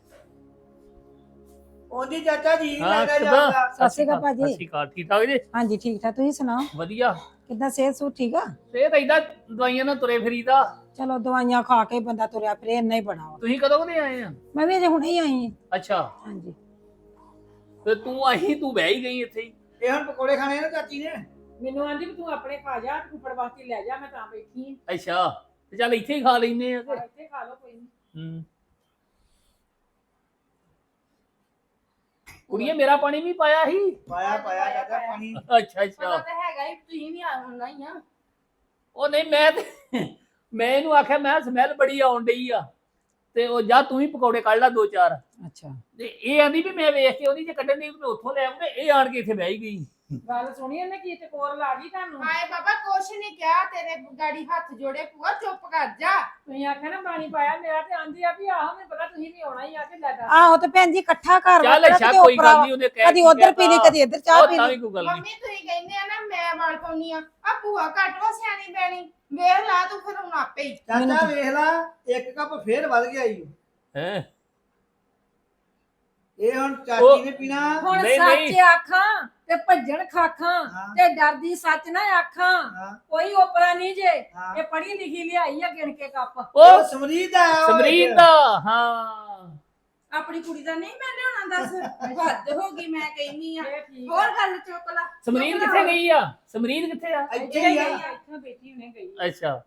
Speaker 4: ਉਹਦੀ ਚਾਚਾ ਜੀ ਨਹੀਂ
Speaker 7: ਹਾਂ
Speaker 4: ਲੱਗਦਾ
Speaker 7: ਕਿੱਦਾਂ?
Speaker 4: ਜਾਂਦਾ।
Speaker 1: ਸਤਿ ਸ਼੍ਰੀ ਅਕਾਲ ਭਾਜੀ।
Speaker 7: ਸਤਿ ਸ਼੍ਰੀ ਅਕਾਲ, ਠੀਕ ਠਾਕ ਜੀ?
Speaker 1: ਹਾਂਜੀ ਠੀਕ ਠਾਕ ਤੁਸੀਂ ਸੁਣਾਓ
Speaker 7: ਵਧੀਆ।
Speaker 1: ਕਿੱਦਾਂ ਸਿਹਤ ਸੂ ਠੀਕ ਆ?
Speaker 7: ਇਹ ਤਾਂ ਏਦਾਂ ਦਵਾਈਆਂ ਨਾਲ ਤੁਰੇ ਫਰੀਦਾ।
Speaker 1: ਚਲੋ ਦਵਾਈਆਂ ਖਾ ਕੇ ਬੰਦਾ ਤੁਰਿਆ ਫਿਰੇ ਇੰਨਾ ਹੀ ਬੜਾ ਵਾ।
Speaker 7: ਤੁਸੀਂ ਕਦੋਂ ਕਦੇ ਆਏ ਆ?
Speaker 1: ਮੈਂ ਵੀ ਅਜੇ ਹੁਣੇ ਹੀ ਆਈ ਹਾਂ।
Speaker 7: ਅੱਛਾ
Speaker 1: ਹਾਂਜੀ
Speaker 7: ਤੇ ਤੂੰ ਆਈ, ਤੂੰ ਬਹਿ ਹੀ ਗਈ ਇੱਥੇ ਹੀ।
Speaker 4: ਇਹ ਹੁਣ ਪਕੌੜੇ ਖਾਣੇ ਨਾ ਚਾਚੀ ਨੇ।
Speaker 3: ਮੈਨੂੰ ਆਂਦੀ ਵੀ ਤੂੰ ਆਪਣੇ ਖਾ ਜਾ ਕੁੱਪੜ ਵਾਸਤੇ ਲੈ ਜਾ ਮੈਂ ਤਾਂ ਬੈਠੀ
Speaker 7: ਅੱਛਾ ਤੇ ਚੱਲ ਇੱਥੇ ਹੀ ਖਾ ਲੈਨੇ ਆ
Speaker 3: ਆ
Speaker 7: ਤੇ।
Speaker 3: ਇੱਥੇ ਖਾ ਲਓ ਕੋਈ ਨਹੀਂ।
Speaker 7: ਹੂੰ ਕੁੜੀਏ ਮੇਰਾ ਪਾਣੀ ਵੀ ਪਾਇਆ ਸੀ।
Speaker 4: ਪਾਇਆ ਪਾਇਆ ਚਾਚਾ ਪਾਣੀ।
Speaker 7: ਅੱਛਾ ਅੱਛਾ
Speaker 5: ਤਾਂ ਹੈਗਾ ਹੀ, ਤੁਸੀਂ ਵੀ ਆਉਣਾ ਹੀ ਆ।
Speaker 7: ਉਹ ਨਹੀਂ ਮੈਂ ਤੇ ਮੈਂ ਇਹਨੂੰ ਆਖਿਆ ਮੈਂ ਸਮੈਲ ਬੜੀ ਆਉਣ ਡਈ ਆ ਤੇ ਉਹ ਜਾ ਤੂੰ ਹੀ ਪਕੌੜੇ ਕੱਢ ਲੈ ਦੋ ਚਾਰ
Speaker 1: ਅੱਛਾ
Speaker 7: ਤੇ ਇਹ ਆਂਦੀ ਵੀ ਮੈਂ ਵੇਖ ਕੇ ਉਹਦੀ ਜੇ ਕੱਢਣ ਦੀ ਮੈਂ ਉੱਥੋਂ ਲੈ ਆਉਂਗਾ ਇਹ ਆਣ ਕੇ ਇੱਥੇ ਬਹਿ ਗਈ
Speaker 3: ਗੱਲ ਸੁਣੀ ਇਹਨੇ ਕੀ ਤੇ ਕੋਰ ਲਾ ਗਈ ਤੁਹਾਨੂੰ
Speaker 5: ਹਾਏ ਬਾਬਾ ਕੁਛ ਨਹੀਂ ਕਿਹਾ ਤੇਰੇ ਗਾੜੀ ਹੱਥ ਜੋੜੇ ਭੂਆ ਚੁੱਪ ਕਰ ਜਾ।
Speaker 3: ਤੁਸੀਂ ਆਖਿਆ ਨਾ ਪਾਣੀ ਪਾਇਆ ਮੇਰਾ ਤੇ ਆਂਦੀ ਆ ਵੀ ਆਹ ਮੈਨੂੰ ਪਤਾ ਤੁਸੀਂ ਵੀ ਆਉਣਾ ਹੀ ਆ ਕੇ ਲੈ ਦੱਸ
Speaker 1: ਆਹੋ ਤੇ ਭੈਣ ਜੀ ਇਕੱਠਾ ਘਰ
Speaker 7: ਚੱਲ
Speaker 1: ਵਰਤਣਾ
Speaker 7: ਅੱਛਾ
Speaker 1: ਕਿਤੇ
Speaker 7: ਕੋਈ
Speaker 1: ਉੱਪਰ
Speaker 7: ਗੱਲ ਨਹੀਂ ਉਹਨੇ ਕਹਿ
Speaker 1: ਕਦੀ ਉਧਰ ਪੀ ਲਈ ਕਦੀ ਇੱਧਰ ਚਾਹ ਪੀ
Speaker 7: ਤਾਂ
Speaker 1: ਲਈ
Speaker 7: ਵੀ ਕੋਈ ਗੱਲ ਨਹੀਂ
Speaker 5: ਮੰਮੀ ਤੁਸੀਂ ਕਹਿੰਦੇ ਆ ਨਾ ਮੈਂ ਵਾਲ ਪਾਉਣੀ ਆ ਆ ਭੂਆ ਘੱਟ ਵਾ ਸਿਆਣੀ ਬੈਣੀ ਵੇਖ ਲਾ ਤੂੰ ਫਿਰ ਹੁਣ ਆਪੇ ਹੀ।
Speaker 4: ਚਾਚਾ ਵੇਖ ਲਾ ਇੱਕ ਕੱਪ ਫੇਰ ਵੱਧ ਗਿਆ ਈ
Speaker 7: ਹੈ
Speaker 4: ਇਹ ਹੁਣ ਚਾਚੀ ਨੇ ਪੀਣਾ।
Speaker 3: ਹੁਣ
Speaker 7: ਨਹੀਂ,
Speaker 3: ਸੱਚ
Speaker 7: ਨਹੀਂ।
Speaker 3: ਆਖਾਂ ਤੇ ਭੱਜਣ ਖਾਖਾਂ
Speaker 4: ਹਾਂ।
Speaker 3: ਤੇ ਡਰਦੀ ਸੱਚ ਨਾ ਆਖਾਂ
Speaker 4: ਹਾਂ
Speaker 3: ਕੋਈ ਓਪਰਾ ਨਹੀਂ ਜੇ
Speaker 4: ਹਾਂ।
Speaker 3: ਇਹ ਪੜ੍ਹੀ ਲਿਖੀ ਲਿਆਈ ਆ ਗਿਣ ਕੇ ਕੱਪ
Speaker 7: ਉਹ
Speaker 4: ਉਹ ਸਮਰੀਤ ਆ ਉਹ
Speaker 7: ਸਮਰੀਤ
Speaker 4: ਇੱਕ।
Speaker 7: ਦਾ ਹਾਂ
Speaker 5: ਆਪਣੀ ਕੁੜੀ ਦਾ ਨਹੀਂ ਮੈਂ ਲਿਆਉਣਾ ਦੱਸ ਹੱਦ ਹੋ ਗਈ ਮੈਂ ਕਹਿੰਨੀ ਆ।
Speaker 3: ਇਹ ਠੀਕ
Speaker 5: ਹੋਰ ਗੱਲ ਚੁੱਕ ਲਾ।
Speaker 7: ਸਮਰੀਤ ਕਿੱਥੇ ਗਈ ਆ ਸਮਰੀਤ ਕਿੱਥੇ ਆ
Speaker 4: ਇੱਥੇ
Speaker 3: ਗਈ
Speaker 4: ਹੀ
Speaker 3: ਆ
Speaker 4: ਆ
Speaker 3: ਇੱਥੋਂ ਬੈਠੀ ਹੁਣੇ ਗਈ
Speaker 7: ਅੱਛਾ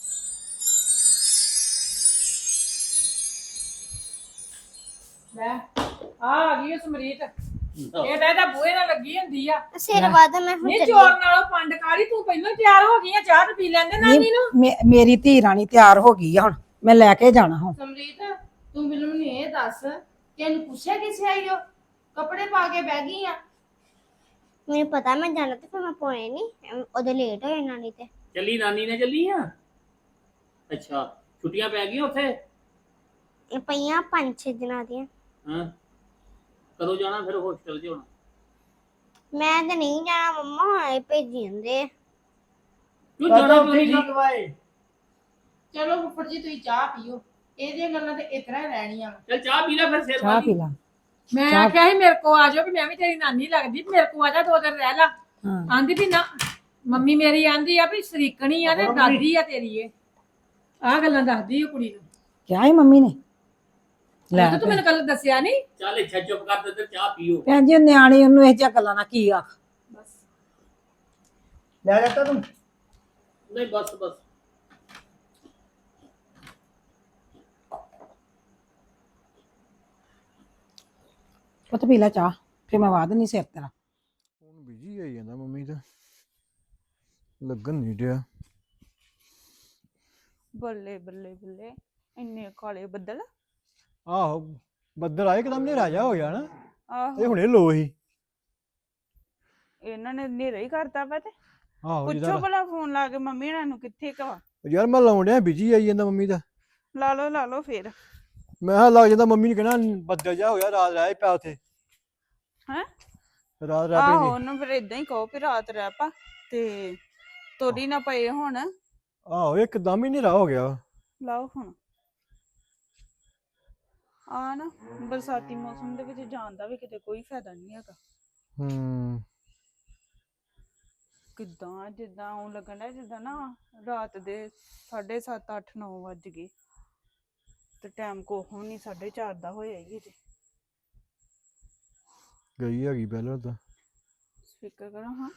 Speaker 3: ਲੈ ਆ ਆ ਗਈ ਉਹ ਸਮਰੀਤ ਇਹ ਤਾਂ ਇਹਦਾ ਬੂਹੇ ਨਾਲ ਲੱਗੀ ਹੁੰਦੀ ਆ
Speaker 2: ਸਿਰ ਵਾਦਾ ਮੈਂ ਹੁਣ
Speaker 3: ਨਹੀਂ
Speaker 2: ਚੱਲੀ
Speaker 3: ਚੋਰ ਨਾਲੋਂ ਪੰਡ ਕਾਲੀ ਤੂੰ ਪਹਿਲਾਂ ਤਿਆਰ ਹੋ ਗਈ ਆ ਚਾਹ ਤੇ ਪੀ ਲੈਂਦੇ ਨਾਨੀ ਨੂੰ
Speaker 1: ਮੇ- ਮੇਰੀ ਧੀ ਰਾਣੀ ਤਿਆਰ ਹੋ ਗਈ ਆ ਹੁਣ ਮੈਂ ਲੈ ਕੇ ਜਾਣਾ ਹੁਣ
Speaker 5: ਸਮਰੀਤ ਤੂੰ ਮੈਨੂੰ ਇਹ ਦੱਸ ਕਿ ਇਹਨੂੰ ਪੁੱਛਿਆ ਕਿਸੇ ਆਈ ਹੋ ਕੱਪੜੇ ਪਾ ਕੇ ਬਹਿ ਗਈ ਆ।
Speaker 2: ਮੈਨੂੰ ਪਤਾ ਮੈਂ ਜਾਣਾ ਤੇ ਫਿਰ ਮੈਂ ਪੋਏ ਨਹੀਂ ਉਹਦੇ ਲੇਟ ਹੋ ਜਾਣਾ ਨਹੀਂ ਤੇ
Speaker 7: ਚੱਲੀ ਨਾਨੀ ਨੇ ਚੱਲੀ ਆ ਅੱਛਾ ਛੁੱਟੀਆਂ ਪੈ ਗਈਆਂ ਉੱਥੇ
Speaker 2: ਇਹ ਪਈਆਂ ਪੰਜ ਛੇ ਦਿਨਾਂ ਦੀਆਂ।
Speaker 7: ਹਾਂ ਕਦੋਂ ਜਾਣਾ ਫਿਰ ਹੋਸਟਲ 'ਚ ਹੁਣ
Speaker 2: ਮੈਂ ਤਾਂ ਨਹੀਂ ਜਾਣਾ ਮੰਮਾ ਹੁਣੇ ਭੇਜੀ ਜਾਂਦੇ ਆ।
Speaker 7: ਕਿਉਂ
Speaker 4: ਚਾਚਾ
Speaker 7: ਜਾਣਾ ਕਿਉਂ
Speaker 4: ਉੱਥੇ
Speaker 7: ਨਹੀਂ
Speaker 4: ਠੀਕ ਵਾਏ
Speaker 5: ਚਲੋ ਫੁੱਫੜ ਜੀ ਤੁਸੀਂ ਚਾਹ ਪੀਓ ਇਹਦੀਆਂ ਗੱਲਾਂ ਤੇ ਇਸ ਤਰ੍ਹਾਂ ਹੀ ਰਹਿਣੀਆਂ ਵਾਂ।
Speaker 7: ਚੱਲ ਚਾਹ ਪੀ ਲੈ ਫਿਰ ਸਿਰ
Speaker 1: ਚਾਹ ਪੀ ਲਾ
Speaker 3: ਮੈਂ
Speaker 1: ਚਾਹ-
Speaker 3: ਆਖਿਆ ਸੀ ਮੇਰੇ ਕੋ ਆ ਜਾਓ ਕਿ ਮੈਂ ਵੀ ਤੇਰੀ ਨਾਨੀ ਲੱਗਦੀ ਮੇਰੇ ਕੋ ਆ ਜਾ ਦੋ ਦਿਨ ਰਹਿ ਲਾ
Speaker 1: ਹਾਂ
Speaker 3: ਆਂਦੀ ਵੀ ਨਾ ਮੰਮੀ ਮੇਰੀ ਆਂਦੀ ਆ ਵੀ ਸਰੀਕਣੀ ਆ ਤੇ ਦਾਦੀ ਆ ਤੇਰੀ ਇਹ ਆ ਗੱਲਾਂ ਦੱਸਦੀ ਆ ਕੁੜੀ ਨੂੰ
Speaker 1: ਕਿਹਾ ਹੀ ਮੰਮੀ ਨੇ ਲੈ
Speaker 3: ਤੇ ਤੂੰ ਮੈਨੂੰ ਕੱਲ ਦੱਸਿਆ ਨਹੀਂ
Speaker 7: ਚੱਲ ਇੱਛਾ ਚੁੱਪ ਕਰ ਤੇ ਇੱਧਰ ਚਾਹ ਪੀਓ
Speaker 1: ਭੈਣ ਜੀ ਉਹ ਨਿਆਣੀ ਉਹਨੂੰ ਇਹ ਜਿਹੀਆਂ ਗੱਲਾਂ ਨਾਲ ਕੀ ਆਖ
Speaker 3: ਬਸ
Speaker 4: ਲੈ ਜਾਂਦਾ ਤੂੰ
Speaker 7: ਨਹੀਂ ਬਸ ਬਸ
Speaker 1: ਪੁੱਤ ਪੀ ਲੈ ਚਾਹ ਫਿਰ ਮੈਂ ਵਾਦ ਨਹੀਂ ਸਿਰ ਤੇਰਾ
Speaker 6: ਹੁਣ ਬਿਜੀ ਆਈ ਜਾਂਦਾ ਮੰਮੀ ਦਾ ਲੱਗਣ ਨਹੀਂ ਡਿਆ।
Speaker 5: ਬੱਲੇ ਬੱਲੇ ਬੱਲੇ ਇੰਨੇ ਕਾਲੇ ਬੱਦਲ।
Speaker 6: ਆਹੋ ਬੱਦਲ ਆਏ ਇੱਕਦਮ ਹਨੇਰਾ ਜਿਹਾ ਹੋ ਗਿਆ ਨਾ
Speaker 5: ਆਹੋ
Speaker 6: ਇਹ ਹੁਣੇ ਲੋ ਹੀ
Speaker 5: ਇਹਨਾਂ ਨੇ ਹਨੇਰਾ ਹੀ ਕਰਤਾ ਵਾ ਤੇ
Speaker 6: ਆਹੋ
Speaker 5: ਪੁੱਛੋ
Speaker 6: ਜਿਹਦਾ
Speaker 5: ਭਲਾ ਫੋਨ ਲਾ ਕੇ ਮੰਮੀ ਇਹਨਾਂ ਨੂੰ ਕਿੱਥੇ ਕਵਾ।
Speaker 6: ਯਾਰ ਮੈਂ ਲਾਉਣ ਡਿਆ ਬਿਜੀ ਆਈ ਜਾਂਦਾ ਮੰਮੀ ਦਾ।
Speaker 5: ਲਾ ਲਓ ਲਾ ਲਓ ਫੇਰ।
Speaker 6: ਮੈਂ ਕਿਹਾ ਲੱਗ ਜਾਂਦਾ ਮੰਮੀ ਨੇ ਕਹਿਣਾ ਬੱਦਲ ਜਿਹਾ ਹੋਇਆ ਰਾਤ ਰਹਿ ਪਿਆ ਉੱਥੇ
Speaker 5: ਹੈਂ?
Speaker 6: ਰਾਤ ਰਹਿ
Speaker 5: ਆਹੋ
Speaker 6: ਪਈ
Speaker 5: ਉਹਨੂੰ ਫਿਰ ਇਦਾਂ ਹੀ ਕਹੋ ਵੀ ਰਾਤ ਰਹਿ ਪਾ ਤੇ ਤੋੜੀ ਨਾ ਪਏ ਹੁਣ।
Speaker 6: ਆਹੋ ਇੱਕਦਮ ਹੀ ਹਨੇਰਾ ਹੋ ਗਿਆ।
Speaker 5: ਲਾਓ ਹੁਣ ਆ ਨਾ ਬਰਸਾਤੀ ਮੌਸਮ ਦੇ ਵਿੱਚ ਜਾਣ ਦਾ ਵੀ ਕਿਤੇ ਕੋਈ ਫਾਇਦਾ ਨਹੀਂ ਹੈਗਾ।
Speaker 6: ਹੂੰ
Speaker 5: ਕਿੱਦਾਂ ਜਿੱਦਾਂ ਉਹ ਲੱਗਣ ਡਿਆ ਜਿੱਦਾਂ ਨਾ ਰਾਤ ਦੇ ਸਾਢੇ ਸੱਤ ਅੱਠ ਨੌ ਵੱਜ ਗਏ ਤੇ ਟਾਈਮ ਕੋਹ ਨਹੀਂ ਸਾਢੇ ਚਾਰ ਦਾ ਹੋਇਆ ਹੀ ਜੇ।
Speaker 6: ਗਈ ਹੈਗੀ ਪਹਿਲਾਂ ਤਾਂ।
Speaker 5: ਸਪੀਕਰ ਕਰੋ ਹਾਂ।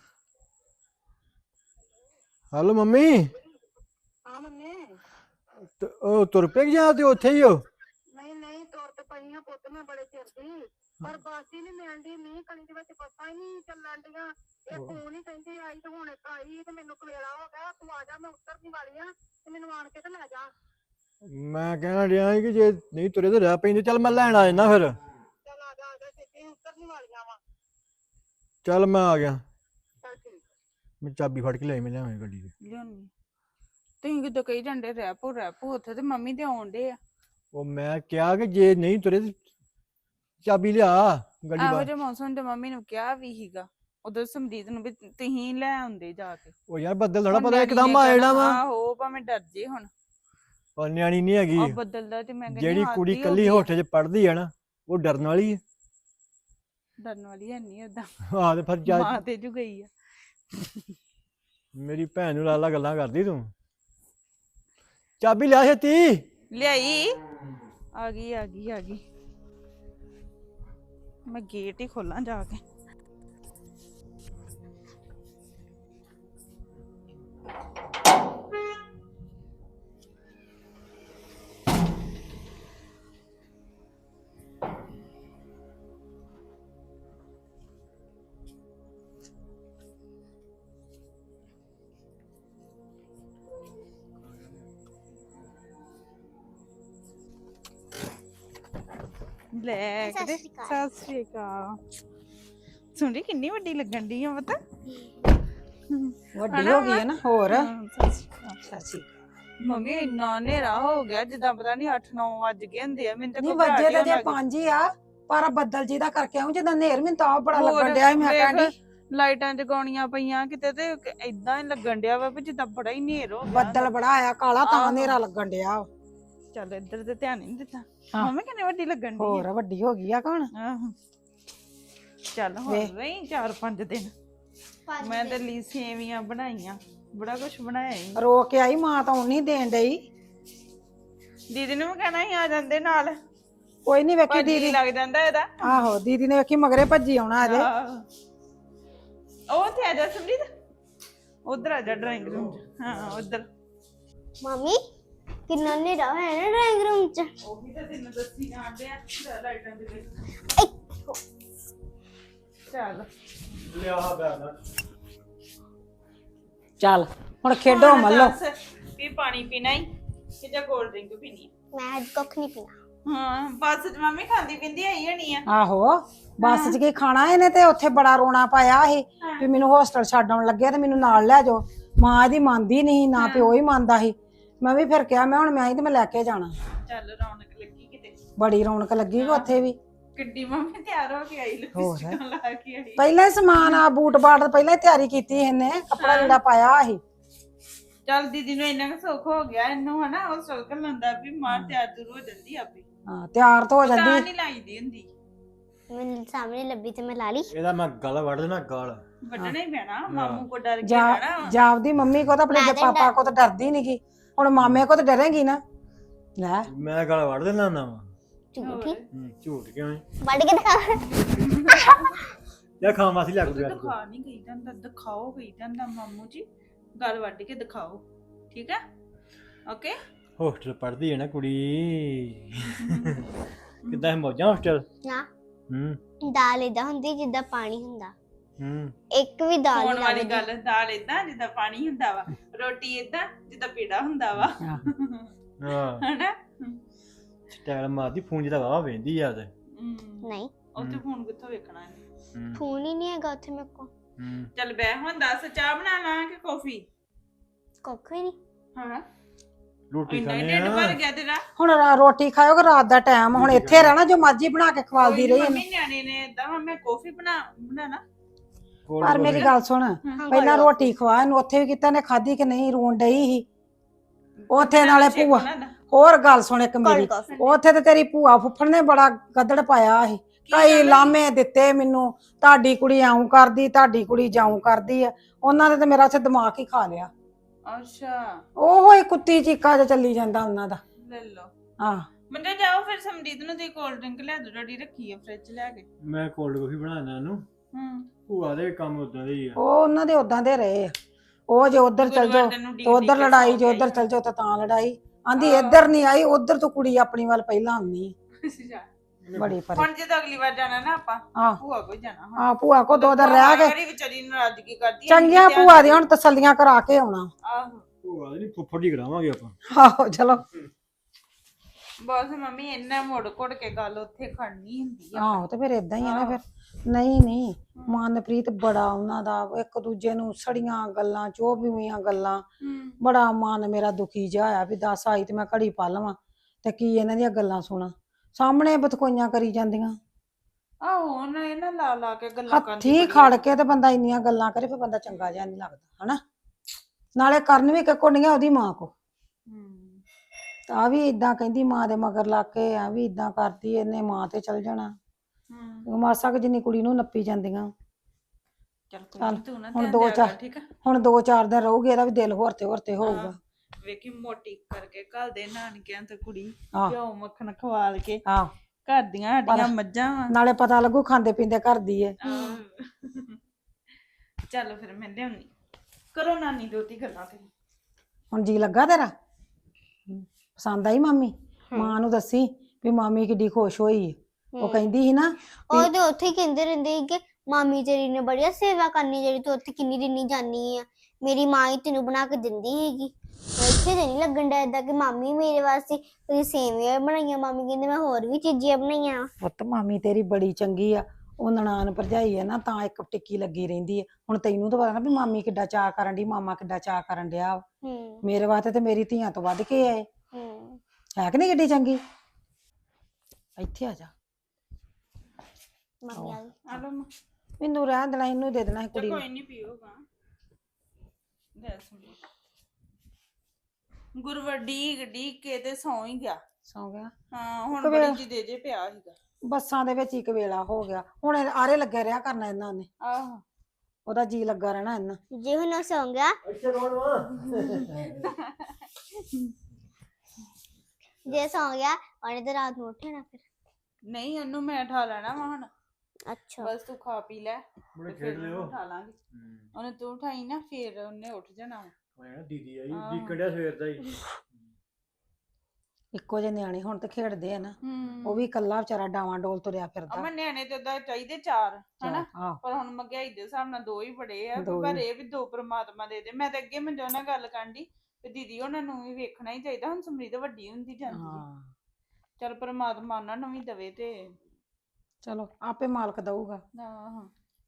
Speaker 6: ਹੈਲੋ ਮੰਮੀ
Speaker 8: ਹਾਂ ਮੰਮੀ
Speaker 6: ਤੇ ਉਹ ਤੁਰ ਪਏ ਜਾਂ ਤੇ ਉੱਥੇ ਹੀ ਹੋ?
Speaker 8: ਨਹੀਂ ਨਹੀਂ ਤੁਰ ਤੇ ਪਈ ਆ ਪੁੱਤ ਮੈਂ ਬੜੇ ਚਿਰ ਦੀ ਪਰ ਬੱਸ ਹੀ ਨਹੀਂ ਮਿਲਦੀ ਮੀਂਹ ਕਣੀ ਦੇ ਵਿੱਚ ਬੱਸਾਂ ਹੀ ਨਹੀਂ ਚੱਲਣ ਡੀਆਂ ਇਹ ਫੋਨ ਹੀ ਕਹਿੰਦੀ ਆਈ ਤੇ ਹੁਣ ਇੱਕ ਆਈ ਤੇ ਮੈਨੂੰ ਕਵੇਲਾ ਹੋ ਗਿਆ ਤੂੰ ਆ ਜਾ ਮੈਂ ਉਤਰਨੀ ਵਾਲੀ ਆ ਤੇ ਮੈਨੂੰ ਆਣ ਕੇ ਤੇ ਲੈ ਜਾ।
Speaker 6: ਮੈਂ ਕਹਿਣਾ ਡਿਆ ਸੀ ਕਿ ਜੇ ਨਹੀਂ ਤੁਰੇ ਤੇ ਰਹਿ ਪੈਂਦੇ ਚੱਲ ਮੈਂ ਲੈਣ ਆ ਜਾਣਾ ਫਿਰ।
Speaker 8: ਚੱਲ ਆ ਜਾ ਆ ਜਾ ਛੇਤੀ ਉਤਰਨੀ ਵਾਲੀਆਂ ਵਾ।
Speaker 6: ਚੱਲ ਮੈਂ ਆ ਗਿਆ।
Speaker 8: ਚੱਲ ਠੀਕ
Speaker 6: ਮੈਂ ਚਾਬੀ ਫੜ ਕੇ ਲਿਆਈ ਮੈਂ ਲਿਆਵਾਂ ਗੱਡੀ ਦੀ।
Speaker 5: ਲਿਆਉਣੀ ਤੁਸੀਂ ਕਿਦੋਂ ਕਹੀ ਜਾਂਦੇ ਰਹਿ ਪੋ ਰਹਿ ਪੋ ਉੱਥੇ ਤੇ ਮੰਮੀ ਤੇ ਆਉਣ ਡੇ ਆ।
Speaker 6: ਉਹ ਮੈਂ ਕਿਹਾ ਕਿ ਜੇ ਨਹੀਂ ਤੁਰੇ ਤੇ ਚਾਬੀ ਲਿਆ ਗੱਡੀ
Speaker 5: ਇਹੋ
Speaker 6: ਬਾਹਰ।
Speaker 5: ਜਿਹੇ ਮੌਸਮ ਤੇ ਮੰਮੀ ਨੂੰ ਕਿਹਾ ਵੀ ਸੀਗਾ ਉਦੋਂ ਸਮਰੀਤ ਨੂੰ ਵੀ ਤੁਸੀਂ ਲੈ ਆਉਂਦੇ ਜਾ ਕੇ।
Speaker 6: ਉਹ ਯਾਰ ਬੱਦਲ ਥੋੜਾ
Speaker 5: ਹੁਣ
Speaker 6: ਪਤਾ
Speaker 5: ਨਿਆਣੀ
Speaker 6: ਇੱਕਦਮ
Speaker 5: ਨੇ
Speaker 6: ਆ ਜਾਣਾ
Speaker 5: ਕਹਿਣਾ,
Speaker 6: ਵਾ।
Speaker 5: ਆਹੋ ਭਾਵੇਂ ਡਰ ਜੇ ਹੁਣ।
Speaker 6: ਉਹ ਨਿਆਣੀ ਨਹੀਂ ਹੈਗੀ
Speaker 5: ਆ ਬੱਦਲ ਦਾ ਤੇ ਮੈਂ ਕਹਿੰਦੀ
Speaker 6: ਜਿਹੜੀ
Speaker 5: ਹੱਦ
Speaker 6: ਕੁੜੀ
Speaker 5: ਹੀ ਹੋ
Speaker 6: ਕੱਲੀ
Speaker 5: ਗਈ ਆ।
Speaker 6: ਹੋਠੇ 'ਚ ਪੜਦੀ ਆ ਨਾ ਉਹ ਡਰਨ ਵਾਲੀ ਹੈ।
Speaker 5: ਡਰਨ ਵਾਲੀ ਹੈ ਨਹੀਂ ਓਦਾਂ
Speaker 6: ਹਾਂ ਤੇ ਫਿਰ ਜਾ
Speaker 5: ਮਾਂ ਤੇ ਜੂ ਗਈ ਆ।
Speaker 6: ਮੇਰੀ ਭੈਣ ਨੂੰ ਲਾਲਾ ਗੱਲਾਂ ਕਰਦੀ ਤੂੰ। ਚਾਬੀ ਲਿਆ ਛੇਤੀ।
Speaker 5: ਲਿਆਈ ਆ ਗਈ ਆ ਗਈ ਆ ਗਈ। ਮੈਂ ਗੇਟ ਹੀ ਖੋਲਾਂ ਜਾ ਕੇ। ਲੈ
Speaker 2: ਸਤਿ
Speaker 5: ਕਿਤੇ
Speaker 2: ਸ਼੍ਰੀ ਅਕਾਲ।
Speaker 5: ਸਤਿ ਸ੍ਰੀ ਅਕਾਲ। ਸੁਣੀ ਕਿੰਨੀ ਵੱਡੀ ਲੱਗਣ ਦੀ ਆ ਪਤਾ
Speaker 1: ਵੱਡੀ
Speaker 5: ਹਨਾ
Speaker 1: ਹੋ ਗਈ ਹੈ ਨਾ ਹੋਰ
Speaker 5: ਹਾਂ, ਸਤਿ ਸ਼੍ਰੀ ਅਕਾਲ।
Speaker 1: ਸਤਿ ਸ਼੍ਰੀ ਅਕਾਲ।
Speaker 5: ਮੰਮੀ ਇੰਨਾ ਹਨੇਰਾ ਹੋ ਗਿਆ ਜਿੱਦਾਂ ਪਤਾ ਨਹੀਂ ਅੱਠ ਨੌ ਵੱਜ ਗਏ ਹੁੰਦੇ ਆ ਮੈਨੂੰ ਤਾਂ
Speaker 1: ਨਹੀਂ
Speaker 5: ਘਬਰਾਹਟ
Speaker 1: ਵੱਜੇ
Speaker 5: ਹੀ
Speaker 1: ਤਾਂ
Speaker 5: ਹੋਣ
Speaker 1: ਜੇ
Speaker 5: ਲੱਗ ਗਈ।
Speaker 1: ਪੰਜ ਹੀ ਆ ਪਰ ਬੱਦਲ ਜੀ ਦਾ ਕਰਕੇ ਆਉਂ ਜਦੋਂ ਨੇਰ ਮੈਨੂੰ ਤਾਂ ਆਪ ਬੜਾ
Speaker 5: ਹੋਰ
Speaker 1: ਲੱਗਣ ਡਿਆ ਸੀ ਮੈਂ
Speaker 5: ਵੇਖ,
Speaker 1: ਕਹਿੰਦੀ
Speaker 5: ਲਾਈਟਾਂ ਜਗਾਉਣੀਆਂ ਪਈਆਂ ਕਿਤੇ ਤੇ ਏਦਾਂ ਹੀ ਲੱਗਣ ਡਿਆ ਵਾ ਵੀ ਜਿੱਦਾਂ ਬੜਾ ਹੀ ਹਨੇਰ ਹੋ ਗਿਆ
Speaker 1: ਬੱਦਲ ਬੜਾ ਆਇਆ ਕਾਲਾ ਤਾਂ
Speaker 5: ਆਹੋ।
Speaker 1: ਹਨੇਰਾ ਲੱਗਣ ਡਿਆ
Speaker 5: ਚੱਲ ਇੱਧਰ ਤੇ ਧਿਆਨ ਹੀ ਨਹੀਂ ਦਿੱਤਾ।
Speaker 1: ਹਾਂ।
Speaker 5: ਮੰਮੀ ਕਿੰਨੀ ਵੱਡੀ ਲੱਗਣ ਦੀ
Speaker 1: ਹੋਰ ਵੱਡੀ ਹੋ ਗਈ ਆ ਕੌਣ
Speaker 5: ਆਹੋ ਚੱਲ ਹੋ
Speaker 1: ਵੇਖ।
Speaker 5: ਗਈ ਚਾਰ ਪੰਜ ਦਿਨ
Speaker 2: ਪੰਜ
Speaker 5: ਮੈਂ ਤੇ
Speaker 2: ਦਿਨ।
Speaker 5: ਲਈ ਸੇਵੀਆਂ ਬਣਾਈਆਂ ਬੜਾ ਕੁਛ ਬਣਾਇਆ ਈ।
Speaker 1: ਰੋ ਕੇ ਆਈ ਮਾਂ ਤਾਂ ਉਨੀ ਦੇਣ ਡਈ
Speaker 5: ਦੀਦੀ ਨੂੰ ਵੀ ਕਹਿਣਾ ਸੀ ਆ ਜਾਂਦੇ ਨਾਲ
Speaker 1: ਕੋਈ ਨਹੀਂ ਵੇਖੀ
Speaker 5: ਭਾਜੀ
Speaker 1: ਦੀਦੀ
Speaker 5: ਲੱਗ ਜਾਂਦਾ ਇਹਦਾ
Speaker 1: ਆਹੋ ਦੀਦੀ ਨੇ ਵੇਖੀ ਮਗਰੇ ਭੱਜੀ ਆਉਣਾ ਅਜੇ
Speaker 5: ਆਹੋ। ਉਹ ਤੇ ਆ ਜਾ ਸਮਰੀਤ ਉਧਰ ਆ ਜਾ ਡਰਾਇੰਗ ਰੂਮ ਚ ਹਾਂ ਉਧਰ
Speaker 2: ਮੰਮੀ ਕਿੰਨਾ ਹਨੇਰਾ ਹੋਇਆ ਨਾ ਡਰਾਇੰਗ ਰੂਮ ਚ।
Speaker 5: ਉਹੀ ਤਾਂ ਤੈਨੂੰ ਦੱਸੀ ਜਾਂਦੇ ਆ ਲਾਈਟਾਂ ਦੇ ਵਿੱਚ ਚੱਲ
Speaker 4: ਲਿਆ ਬੈਗ
Speaker 1: ਚੱਲ ਹੁਣ ਖੇਡੋ
Speaker 5: ਹੁਣ
Speaker 1: ਮੱਲੋ
Speaker 5: ਦੱਸ ਵੀ ਪਾਣੀ ਪੀਣਾ ਹੀ ਕਿ ਜਾਂ ਕੋਲਡ ਡਰਿੰਕ ਪੀਣੀ ਆ?
Speaker 2: ਮੈਂ ਅੱਜ ਕੁੱਖ ਨਹੀਂ ਪੀਣਾ।
Speaker 5: ਹਾਂ ਬੱਸ ਚ ਮੰਮੀ ਖਾਂਦੀ ਪੀਂਦੀ ਆਈ ਹੋਣੀ ਆ
Speaker 1: ਆਹੋ ਬੱਸ 'ਚ ਕੀ ਖਾਣਾ ਇਹਨੇ ਤੇ ਉੱਥੇ ਬੜਾ ਰੋਣਾ ਪਾਇਆ ਸੀ ਵੀ ਮੈਨੂੰ ਹੋਸਟਲ ਛੱਡਣ ਲੱਗੇ ਤੇ ਮੈਨੂੰ ਨਾਲ ਲੈ ਜਾਓ ਮਾਂ ਇਹਦੀ ਮੰਨਦੀ ਨਹੀਂ ਨਾ ਪਿਓ ਹੀ ਮੰਨਦਾ ਸੀ ਮੈਂ ਵੀ ਫਿਰ ਕਿਹਾ ਮੈਂ ਹੁਣ ਮੈਂ ਹੀ ਤੇ ਮੈਂ ਲੈ ਕੇ ਜਾਣਾ
Speaker 5: ਚੱਲ ਰੌਣਕ ਲੱਗੀ ਕਿਤੇ
Speaker 1: ਬੜੀ ਰੌਣਕ ਲੱਗੀ ਉੱਥੇ ਵੀ
Speaker 5: ਕਿੱਡੀ ਮੰਮੀ ਤਿਆਰ ਹੋ ਕੇ ਆਈ ਲਿਪਸਟਿਕਾਂ ਲਾ ਕੇ ਆਈ
Speaker 1: ਪਹਿਲਾਂ ਹੀ ਸਮਾਨ ਆ ਬੂਟ ਬਾਟ ਪਹਿਲਾਂ ਹੀ ਤਿਆਰੀ ਕੀਤੀ ਇਹਨੇ ਕੱਪੜਾ ਲੀੜਾ ਪਾਇਆ ਸੀ
Speaker 5: ਚੱਲ ਦੀਦੀ ਨੂੰ ਇੰਨਾ ਕੁ ਸੁੱਖ ਹੋ ਗਿਆ ਇਹਨੂੰ ਹਨਾ ਉਹ ਸੁੱਖ ਲੰਦਾ ਵੀ ਮਾਂ ਤਿਆਰ ਦੂਰ ਹੋ ਜਾਂਦੀ ਆਪੇ
Speaker 1: ਹਾਂ ਤਿਆਰ ਤਾਂ ਹੋ
Speaker 5: ਤਾਂ
Speaker 1: ਜਾਂਦੀ
Speaker 5: ਨਹੀਂ ਲਾਈਦੀ ਹੁੰਦੀ
Speaker 2: ਮੈਨੂੰ ਸਾਹਮਣੇ ਲੱਭੀ ਤੇ ਮੈਂ ਲਾ ਲਈ।
Speaker 6: ਇਹਦਾ ਮੈਂ ਗਲ ਵੜ ਦੇਣਾ ਗਲ
Speaker 5: ਵੱਢਣਾ ਹੀ ਪੈਣਾ ਮਾਮੂ ਕੋ ਡਰ ਕੇ
Speaker 1: ਜਾ
Speaker 5: ਜਾਣਾ
Speaker 1: ਜਾਪਦੀ ਮੰਮੀ ਕੋ ਤਾਂ ਆਪਣੇ
Speaker 2: ਮੈਂ ਤਾਂ
Speaker 1: ਪਾਪਾ ਕੋ ਤਾਂ ਡਰਦੀ ਨੀ ਗੀ ਹੁਣ ਮਾਮੇ ਕੋ ਤਾਂ ਡਰੇਗੀ ਨਾ ਲੈ
Speaker 6: ਮੈਂ ਗਲ ਵੜ ਦੇਣਾ ਹੁੰਦਾ ਵਾ
Speaker 2: ਝੂਠੀ
Speaker 6: ਹੂੰ, ਝੂਠ ਕਿਉਂ ਹੈ
Speaker 2: ਵੱਢ ਕੇ ਦਿਖਾ।
Speaker 6: ਯਾ ਖਾਵਾਂ ਸੀ ਲੱਗ ਗਿਆ
Speaker 5: ਦਿਖਾ ਨਹੀਂ ਗਈ ਜਾਂਦਾ ਦਿਖਾਓ ਗਈ ਜਾਂਦਾ ਮਾਮੂ ਜੀ ਗੱਲ ਵੱਢ ਕੇ ਦਿਖਾਓ ਠੀਕ ਹੈ ਓਕੇ
Speaker 6: ਹੋਸਟਲ ਪੜ੍ਹਦੀ ਹੈ ਨਾ ਕੁੜੀ ਕਿੱਦਾਂ ਹੈ ਮੌਜਾਂ ਹੋਸਟਲ
Speaker 2: ਨਾ
Speaker 6: ਹੂੰ
Speaker 2: ਦਾਲ ਏਦਾਂ ਹੁੰਦੀ ਜਿੱਦਾਂ ਪਾਣੀ ਹੁੰਦਾ
Speaker 6: ਹੂੰ
Speaker 2: ਇੱਕ ਵੀ ਦਾਲ
Speaker 5: ਹੋਣ
Speaker 2: ਨਹੀਂ
Speaker 5: ਵਾਲੀ
Speaker 2: ਲੱਭਦੀ।
Speaker 5: ਗੱਲ ਦਾਲ ਏਦਾਂ ਜਿੱਦਾਂ ਪਾਣੀ ਹੁੰਦਾ ਵਾ ਰੋਟੀ ਏਦਾਂ ਜਿੱਦਾਂ ਪੀੜਾ ਹੁੰਦਾ ਵਾ
Speaker 6: ਹਾਂ
Speaker 5: ਹਨਾ
Speaker 6: ਸਟਾਈਲ ਮਾਰਦੀ ਫੋਨ ਜਿਹਦਾ ਵਾਹ ਵੇਂਦੀ ਆ ਤੇ
Speaker 5: ਹਮ,
Speaker 2: ਨਹੀਂ
Speaker 5: ਉੱਥੇ ਫੋਨ ਕਿੱਥੋਂ ਵੇਖਣਾ ਇਹਨੇ?
Speaker 6: ਹੂੰ
Speaker 2: ਫੋਨ ਹੀ ਨਹੀਂ ਹੈਗਾ ਉੱਥੇ ਮੇਰੇ ਕੋਲ
Speaker 6: ਹੂੰ
Speaker 5: ਚੱਲ ਬੈ ਹੁਣ ਦੱਸ ਚਾਹ ਬਣਾ ਲਾਂ ਕਿ ਕੌਫੀ
Speaker 2: ਕੁੱਖ ਵੀ ਨਹੀਂ।
Speaker 5: ਹਾਂ
Speaker 6: ਰੋਟੀ
Speaker 5: ਇੰਨਾ ਹੀ
Speaker 6: ਖਾਣੇ
Speaker 5: ਢਿੱਡ ਭਰ
Speaker 6: ਆ
Speaker 5: ਗਿਆ ਤੇਰਾ
Speaker 1: ਹੁਣ ਰਾ- ਰੋਟੀ ਖਾਓਗੇ ਰਾਤ ਦਾ ਟਾਈਮ ਹੁਣ ਇੱਥੇ ਰਹਿਣਾ ਜੋ ਮਰਜ਼ੀ ਬਣਾ ਕੇ ਖਵਾਲਦੀ ਰਹੀ ਇਹਨੂੰ।
Speaker 5: ਮੰਮੀ ਨਿਆਣੇ ਨੇ ਏਦਾਂ ਮੈਂ ਕੌਫੀ ਬਣਾ ਬਣਾਣਾ
Speaker 6: ਕੋਲਡ
Speaker 1: ਪਰ ਮੇਰੀ
Speaker 6: ਕਾਫੀ।
Speaker 1: ਗੱਲ ਸੁਣ ਪਹਿਲਾਂ ਰੋਟੀ ਖਵਾ ਇਹਨੂੰ ਉੱਥੇ ਵੀ ਕੀਤਾ ਨੇ ਖਾਧੀ ਕਿ ਨਹੀਂ ਰੋਣ ਡਈ ਸੀ ਉੱਥੇ ਨਾਲੇ ਭੂਆ ਹੋਰ ਗੱਲ ਸੁਣ ਇੱਕ ਮੇਰੀ
Speaker 2: ਕਾਫੀ
Speaker 1: ਉੱਥੇ ਤੇ ਤੇਰੀ ਭੂਆ ਫੁੱਫੜ ਨੇ ਬੜਾ ਗੱਦੜ ਪਾਇਆ ਸੀ ਕਈ ਲਾਮੇ ਦਿੱਤੇ ਮੈਨੂੰ ਤੁਹਾਡੀ ਕੁੜੀ ਆਉਂ ਕਰਦੀ ਤੁਹਾਡੀ ਕੁੜੀ ਜਾਉਂ ਕਰਦੀ ਆ ਉਹਨਾਂ ਨੇ ਤੇ ਮੇਰਾ ਉੱਥੇ ਦਿਮਾਗ ਹੀ ਖਾ ਲਿਆ
Speaker 5: ਅੱਛਾ
Speaker 1: ਉਹੋ ਹੀ ਕੁੱਤੀ ਚੀਕਾ ਜਿਹਾ ਚੱਲੀ ਜਾਂਦਾ ਉਹਨਾਂ ਦਾ
Speaker 5: ਲੈ ਲਓ
Speaker 1: ਆਹ
Speaker 5: ਮੰਡੇ ਜਾਓ ਫਿਰ ਸਮਰੀਤ ਨੂੰ ਤੇ ਕੋਲਡ ਡਰਿੰਕ ਲਿਆ ਦੋ ਡੱਡੀ ਰੱਖੀ ਆ ਫ੍ਰਿਜ ਲਿਆ ਕੇ
Speaker 6: ਮੈਂ ਕੋਲਡ ਕਾਫੀ ਬਣਾਉਣਾ ਇਹਨੂੰ
Speaker 5: ਹੂੰ
Speaker 6: ਭੂਆ ਦੇ ਕੰਮ ਉਦਾਂ ਦੇ ਹੀ ਆ
Speaker 1: ਉਹ ਉਹਨਾਂ ਦੇ ਉਦਾਂ ਦੇ ਰਹੇ ਆ ਉਹ ਜੇ ਉਧਰ ਚਲ ਜਾਓ ਤੇ ਉਧਰ ਲੜਾਈ ਜੇ ਉਧਰ ਚਲ ਜਾਓ ਤਾਂ ਤਾਂ ਲੜਾਈ ਆਂਦੀ ਇੱਧਰ ਨਹੀਂ ਆਈ ਉਧਰ ਤੋਂ ਕੁੜੀ ਆਪਣੀ ਵੱਲ ਪਹਿਲਾਂ ਆਉਣੀ ਬੜੀ ਪਰੇ
Speaker 5: ਹੁਣ ਜਦੋਂ ਅਗਲੀ ਵਾਰ ਜਾਣਾ ਨਾ ਆਪਾਂ
Speaker 1: ਆਹ
Speaker 5: ਭੂਆ ਕੋਈ ਜਾਣਾ ਹੁਣ
Speaker 1: ਆ ਭੂਆ ਕੋ ਦੋ ਦਿਨ ਰਹਿ ਕੇ
Speaker 5: ਮੇਰੀ ਵਿਚਾਰੀ ਨਾਰਾਜ਼ਗੀ ਕਰਦੀ ਆ
Speaker 1: ਚੰਗੀਆਂ ਭੂਆ ਦੀਆਂ ਹੁਣ ਤਸੱਲੀਆਂ ਕਰਾ ਕੇ ਆਉਣਾ
Speaker 5: ਆਹੋ
Speaker 6: ਭੂਆ ਦੀ ਨਹੀਂ ਫੁੱਫੜ ਦੀ ਕਰਾਵਾਂਗੇ ਆਪਾਂ
Speaker 1: ਆਹੋ ਚਲੋ
Speaker 5: ਬਸ ਮੰਮੀ ਇੰਨਾ ਮੁੜ ਘੁੜ ਕੇ ਗੱਲ ਉੱਥੇ ਖੜਨੀ ਹੁੰਦੀ ਆ
Speaker 1: ਆਹੋ ਤੇ ਫਿਰ ਇਦਾਂ ਹੀ ਆ ਨਾ ਫਿਰ ਨਹੀਂ ਨਹੀਂ ਮਨਪ੍ਰੀਤ ਬੜਾ ਉਹਨਾਂ ਦਾ ਇੱਕ ਦੂਜੇ ਨੂੰ ਸੜੀਆਂ ਗੱਲਾਂ ਚੋਬੀਆਂ ਗੱਲਾਂ ਬੜਾ ਮਨ ਮੇਰਾ ਦੁਖੀ ਜਿਹਾ ਹੋਇਆ ਵੀ ਦੱਸ ਆਈ ਤੇ ਮੈਂ ਘੜੀ ਪਾ ਲਵਾਂ ਤੇ ਕੀ ਇਹਨਾਂ ਦੀਆਂ ਗੱਲਾਂ ਸੁਣਾ ਸਾਹਮਣੇ ਬਤਕੋਈਆਂ ਕਰੀ ਜਾਂਦੀਆਂ
Speaker 5: ਆਹੋ ਨਾ ਇਹ ਨਾ ਲਾ ਲਾ ਕੇ ਗੱਲਾਂ ਕਰਨ
Speaker 1: ਹੱਥੀ ਖੜ ਕੇ ਤੇ ਬੰਦਾ ਇੰਨੀਆਂ ਗੱਲਾਂ ਕਰੇ ਫਿਰ ਬੰਦਾ ਚੰਗਾ ਜਿਹਾ ਨਹੀਂ ਲੱਗਦਾ ਹਨਾ ਨਾਲੇ ਕਰਨ ਵੀ ਕੁੰਡੀਆਂ ਉਹਦੀ ਮਾਂ ਕੋ ਆ ਵੀ ਇਦਾਂ ਕਹਿੰਦੀ ਮਾਂ ਦੇ ਮਗਰ ਲਾ ਕੇ ਆ ਵੀ ਇਦਾਂ ਕਰਦੀ ਇਹਨੇ ਮਾਂ ਤੇ ਚਲ ਜਾਣਾ ਮਾਸਾ ਕਿ ਜਿੰਨੀ ਕੁੜੀ ਨੂੰ ਨੱਪੀ ਜਾਂਦੀਆਂ
Speaker 5: ਚੱਲ ਕੋਈ ਨੀ, ਤੂੰ ਨਾ
Speaker 1: ਹੁਣ
Speaker 5: ਧਿਆਨ
Speaker 1: ਦੋ
Speaker 5: ਦਿਆ
Speaker 1: ਚਾਰ
Speaker 5: ਕਰ, ਠੀਕ ਆ
Speaker 1: ਹੁਣ ਦੋ ਚਾਰ ਦਿਨ ਰਹੂਗੀ ਇਹਦਾ ਵੀ ਦਿਲ ਹੋਰ ਤੇ ਹੋਰ ਤੇ ਹੋਊਗਾ
Speaker 5: ਵੇਖੀ ਮੋਟੀ ਕਰਕੇ ਘਰ ਦੇ ਨਾਨਕਿਆਂ ਤੇ ਕੁੜੀ
Speaker 1: ਆਹ।
Speaker 5: ਘਿਓ ਮੱਖਣ ਖਵਾਲ ਕੇ
Speaker 1: ਆਹ
Speaker 5: ਘਰ ਦੀਆਂ ਸਾਡੀਆਂ ਮੱਝਾਂ ਵਾ
Speaker 1: ਨਾਲੇ ਪਤਾ ਲੱਗੂ ਖਾਂਦੇ ਪੀਂਦੇ ਘਰ ਦੀ ਏ
Speaker 5: ਚੱਲ ਫਿਰ ਮੈਂ ਲਿਆਉਣੀ ਕਰੋ ਨਾਨੀ ਦੋਤੀ ਗੱਲਾਂ ਤੇ
Speaker 1: ਹੁਣ ਜੀ ਲੱਗਾ ਤੇਰਾ ਪਸੰਦ ਆਈ ਮਾਮੀ ਮਾਂ ਨੂੰ ਦੱਸੀ ਵੀ ਮਾਮੀ ਕਿੱਡੀ ਖੁਸ਼ ਹੋਈ ਏ ਉਹ ਕਹਿੰਦੀ ਸੀ ਨਾ
Speaker 2: ਉਹ ਤੇ ਉੱਥੇ ਹੀ ਕਹਿੰਦੇ ਰਹਿੰਦੇ ਸੀ ਕਿ ਮਾਮੀ ਤੇਰੀ ਨੇ ਬੜੀ ਸੇਵਾ ਕਰਨੀ ਜਿਹੜੀ ਤੂੰ ਉੱਥੇ ਕਿੰਨੀ ਦਿਨੀ ਜਾਨੀ ਆ ਮੇਰੀ ਮਾਂ ਹੀ ਤੈਨੂੰ ਬਣਾ ਕੇ ਦਿੰਦੀ ਹੈਗੀ। ਇੱਥੇ ਤੇ ਨਹੀਂ ਲੱਗਣ ਡਿਆ ਏਦਾਂ ਕਿ ਮਾਮੀ ਮੇਰੇ ਵਾਸਤੇ ਕਦੀ ਸੇਵੀਆਂ ਬਣਾਈਆਂ, ਮਾਮੀ ਕਹਿੰਦੇ ਮੈਂ ਹੋਰ ਵੀ ਚੀਜ਼ਾਂ ਬਣਾਈਆਂ।
Speaker 1: ਪੁੱਤ ਮਾਮੀ ਤੇਰੀ ਬੜੀ ਚੰਗੀ ਆ, ਉਹ ਨਨਾਣ ਭਰਜਾਈ ਆ ਨਾ ਤਾਂ ਇੱਕ ਟਿੱਕੀ ਲੱਗੀ ਰਹਿੰਦੀ ਹੈ। ਹੁਣ ਤੈਨੂੰ ਤਾਂ ਪਤਾ ਨਾ ਵੀ ਮਾਮੀ ਕਿੱਡਾ ਚਾਅ ਕਰਨ ਡਈ, ਮਾਮਾ ਕਿੱਡਾ ਚਾਅ ਕਰਨ ਡਿਆ ਵਾ।
Speaker 2: ਹੂੰ
Speaker 1: ਮੇਰੇ ਵਾਸਤੇ ਤੇ ਮੇਰੀ ਧੀਆਂ ਤੋਂ ਵੱਧ ਕੇ ਆਏ
Speaker 2: ਹੂੰ
Speaker 1: ਹੈ ਕਿ ਨਹੀਂ ਕਿੱਡੀ ਚੰਗੀ। ਇੱਥੇ ਆ ਜਾ,
Speaker 2: ਮੰਮੀ ਆ ਗਈ।
Speaker 5: ਆ ਲਓ ਮਾਂ।
Speaker 1: ਮੈਨੂੰ ਰਹਿਣ ਦੇਣਾ, ਇਹਨੂੰ ਦੇ ਦੇਣਾ ਸੀ
Speaker 5: ਚੱਲ
Speaker 1: ਕੁੜੀ ਨੂੰ।
Speaker 5: ਕੋਈ ਨਹੀਂ ਪੀਓਗਾ। ਲੈ ਸੁਣ ਗੁਰਵੱਡੀ ਗੱਡੀ ਕੇ ਤੇ ਸੌਂ ਹੀ ਗਿਆ।
Speaker 1: ਸੌਂ ਗਿਆ।
Speaker 5: ਹਾਂ ਹੁਣ
Speaker 1: ਕਵੇਲਾ।
Speaker 5: ਬੜੀ ਜੀ ਦੇ ਜੇ ਪਿਆ ਸੀਗਾ।
Speaker 1: ਬੱਸਾਂ ਦੇ ਵਿੱਚ ਇੱਕ ਵੇਲਾ ਹੋ ਗਿਆ, ਹੁਣ ਇਹ ਆਰੇ ਲੱਗਿਆ ਰਿਹਾ ਕਰਨਾ ਇਹਨਾਂ ਨੇ,
Speaker 5: ਆਹੋ
Speaker 1: ਉਹਦਾ ਜੀ ਲੱਗਾ ਰਹਿਣਾ ਇਹਨਾਂ।
Speaker 2: ਜੇ ਹੁਣ ਉਹ ਸੌਂ ਗਿਆ,
Speaker 6: ਇੱਥੇ ਰੋਣ ਵਾ
Speaker 2: ਜੇ ਸੌਂ ਗਿਆ ਉਹਨੇ ਤੇ ਰਾਤ ਨੂੰ ਉੱਠਣਾ ਫਿਰ।
Speaker 5: ਨਹੀਂ ਉਹਨੂੰ ਮੈਂ ਉਠਾ ਲੈਣਾ ਵਾ ਹੁਣ।
Speaker 2: ਅੱਛਾ
Speaker 5: ਬਸ ਤੂੰ ਖਾ ਪੀ ਲੈ
Speaker 6: ਮੁੜੇ
Speaker 5: ਤੇ ਫਿਰ
Speaker 6: ਖੇਡ ਲਿਓ।
Speaker 5: ਉਹਨੂੰ ਉਠਾ ਲਾਂਗੇ। ਉਹਨੇ ਤੂੰ ਉਠਾਈ ਨਾ ਫਿਰ ਉਹਨੇ ਉੱਠ ਜਾਣਾ ਵਾ।
Speaker 6: ਮੈਂ ਕਿਹਾ ਦੀਦੀ ਆਈ
Speaker 5: ਆਹੋ।
Speaker 6: ਡੀਕਣ ਡਿਆ ਸਵੇਰ ਦਾ ਹੀ।
Speaker 1: ਇੱਕੋ ਜਿਹੇ ਨਿਆਣੇ ਹੁਣ ਤੇ ਖੇਡਦੇ ਆ ਨਾ,
Speaker 5: ਹੂੰ
Speaker 1: ਉਹ ਵੀ ਇਕੱਲਾ ਵਿਚਾਰਾ ਡਾਵਾਂ ਡੋਲ ਤੁਰਿਆ ਫਿਰਦਾ।
Speaker 5: ਅਮਨ ਨਿਆਣੇ ਤੇ ਉਦਾਂ ਚਾਹੀਦੇ ਚਾਰ ਹਨਾ,
Speaker 1: ਆਹ
Speaker 5: ਪਰ ਹੁਣ ਮਹਿੰਗਾਈ ਦੇ ਹਿਸਾਬ ਨਾਲ ਦੋ ਹੀ ਬੜੇ ਆ।
Speaker 1: ਦੋ
Speaker 5: ਪਰ
Speaker 1: ਹੀ।
Speaker 5: ਇਹ ਵੀ ਦੋ ਪ੍ਰਮਾਤਮਾ ਦੇ ਦੇ। ਮੈਂ ਤਾਂ ਅੱਗੇ ਮਨਜੋ ਨਾਲ ਗੱਲ ਕਰਨੀ ਤੇ ਦੀਦੀ ਉਹਨਾਂ ਨੂੰ ਵੀ ਵੇਖਣਾ ਹੀ ਚਾਹੀਦਾ। ਹੁਣ ਸਮਰੀਤ ਵੱਡੀ ਹੁੰਦੀ ਜਾਂਦੀ ਹੈ,
Speaker 1: ਹਾਂ
Speaker 5: ਚਲ ਪ੍ਰਮਾਤਮਾ ਉਹਨਾਂ ਨੂੰ ਵੀ ਦਵੇ ਤੇ
Speaker 1: ਚਲੋ ਆਪੇ ਮਾਲਕ ਦਊਗਾ।
Speaker 5: ਆਹ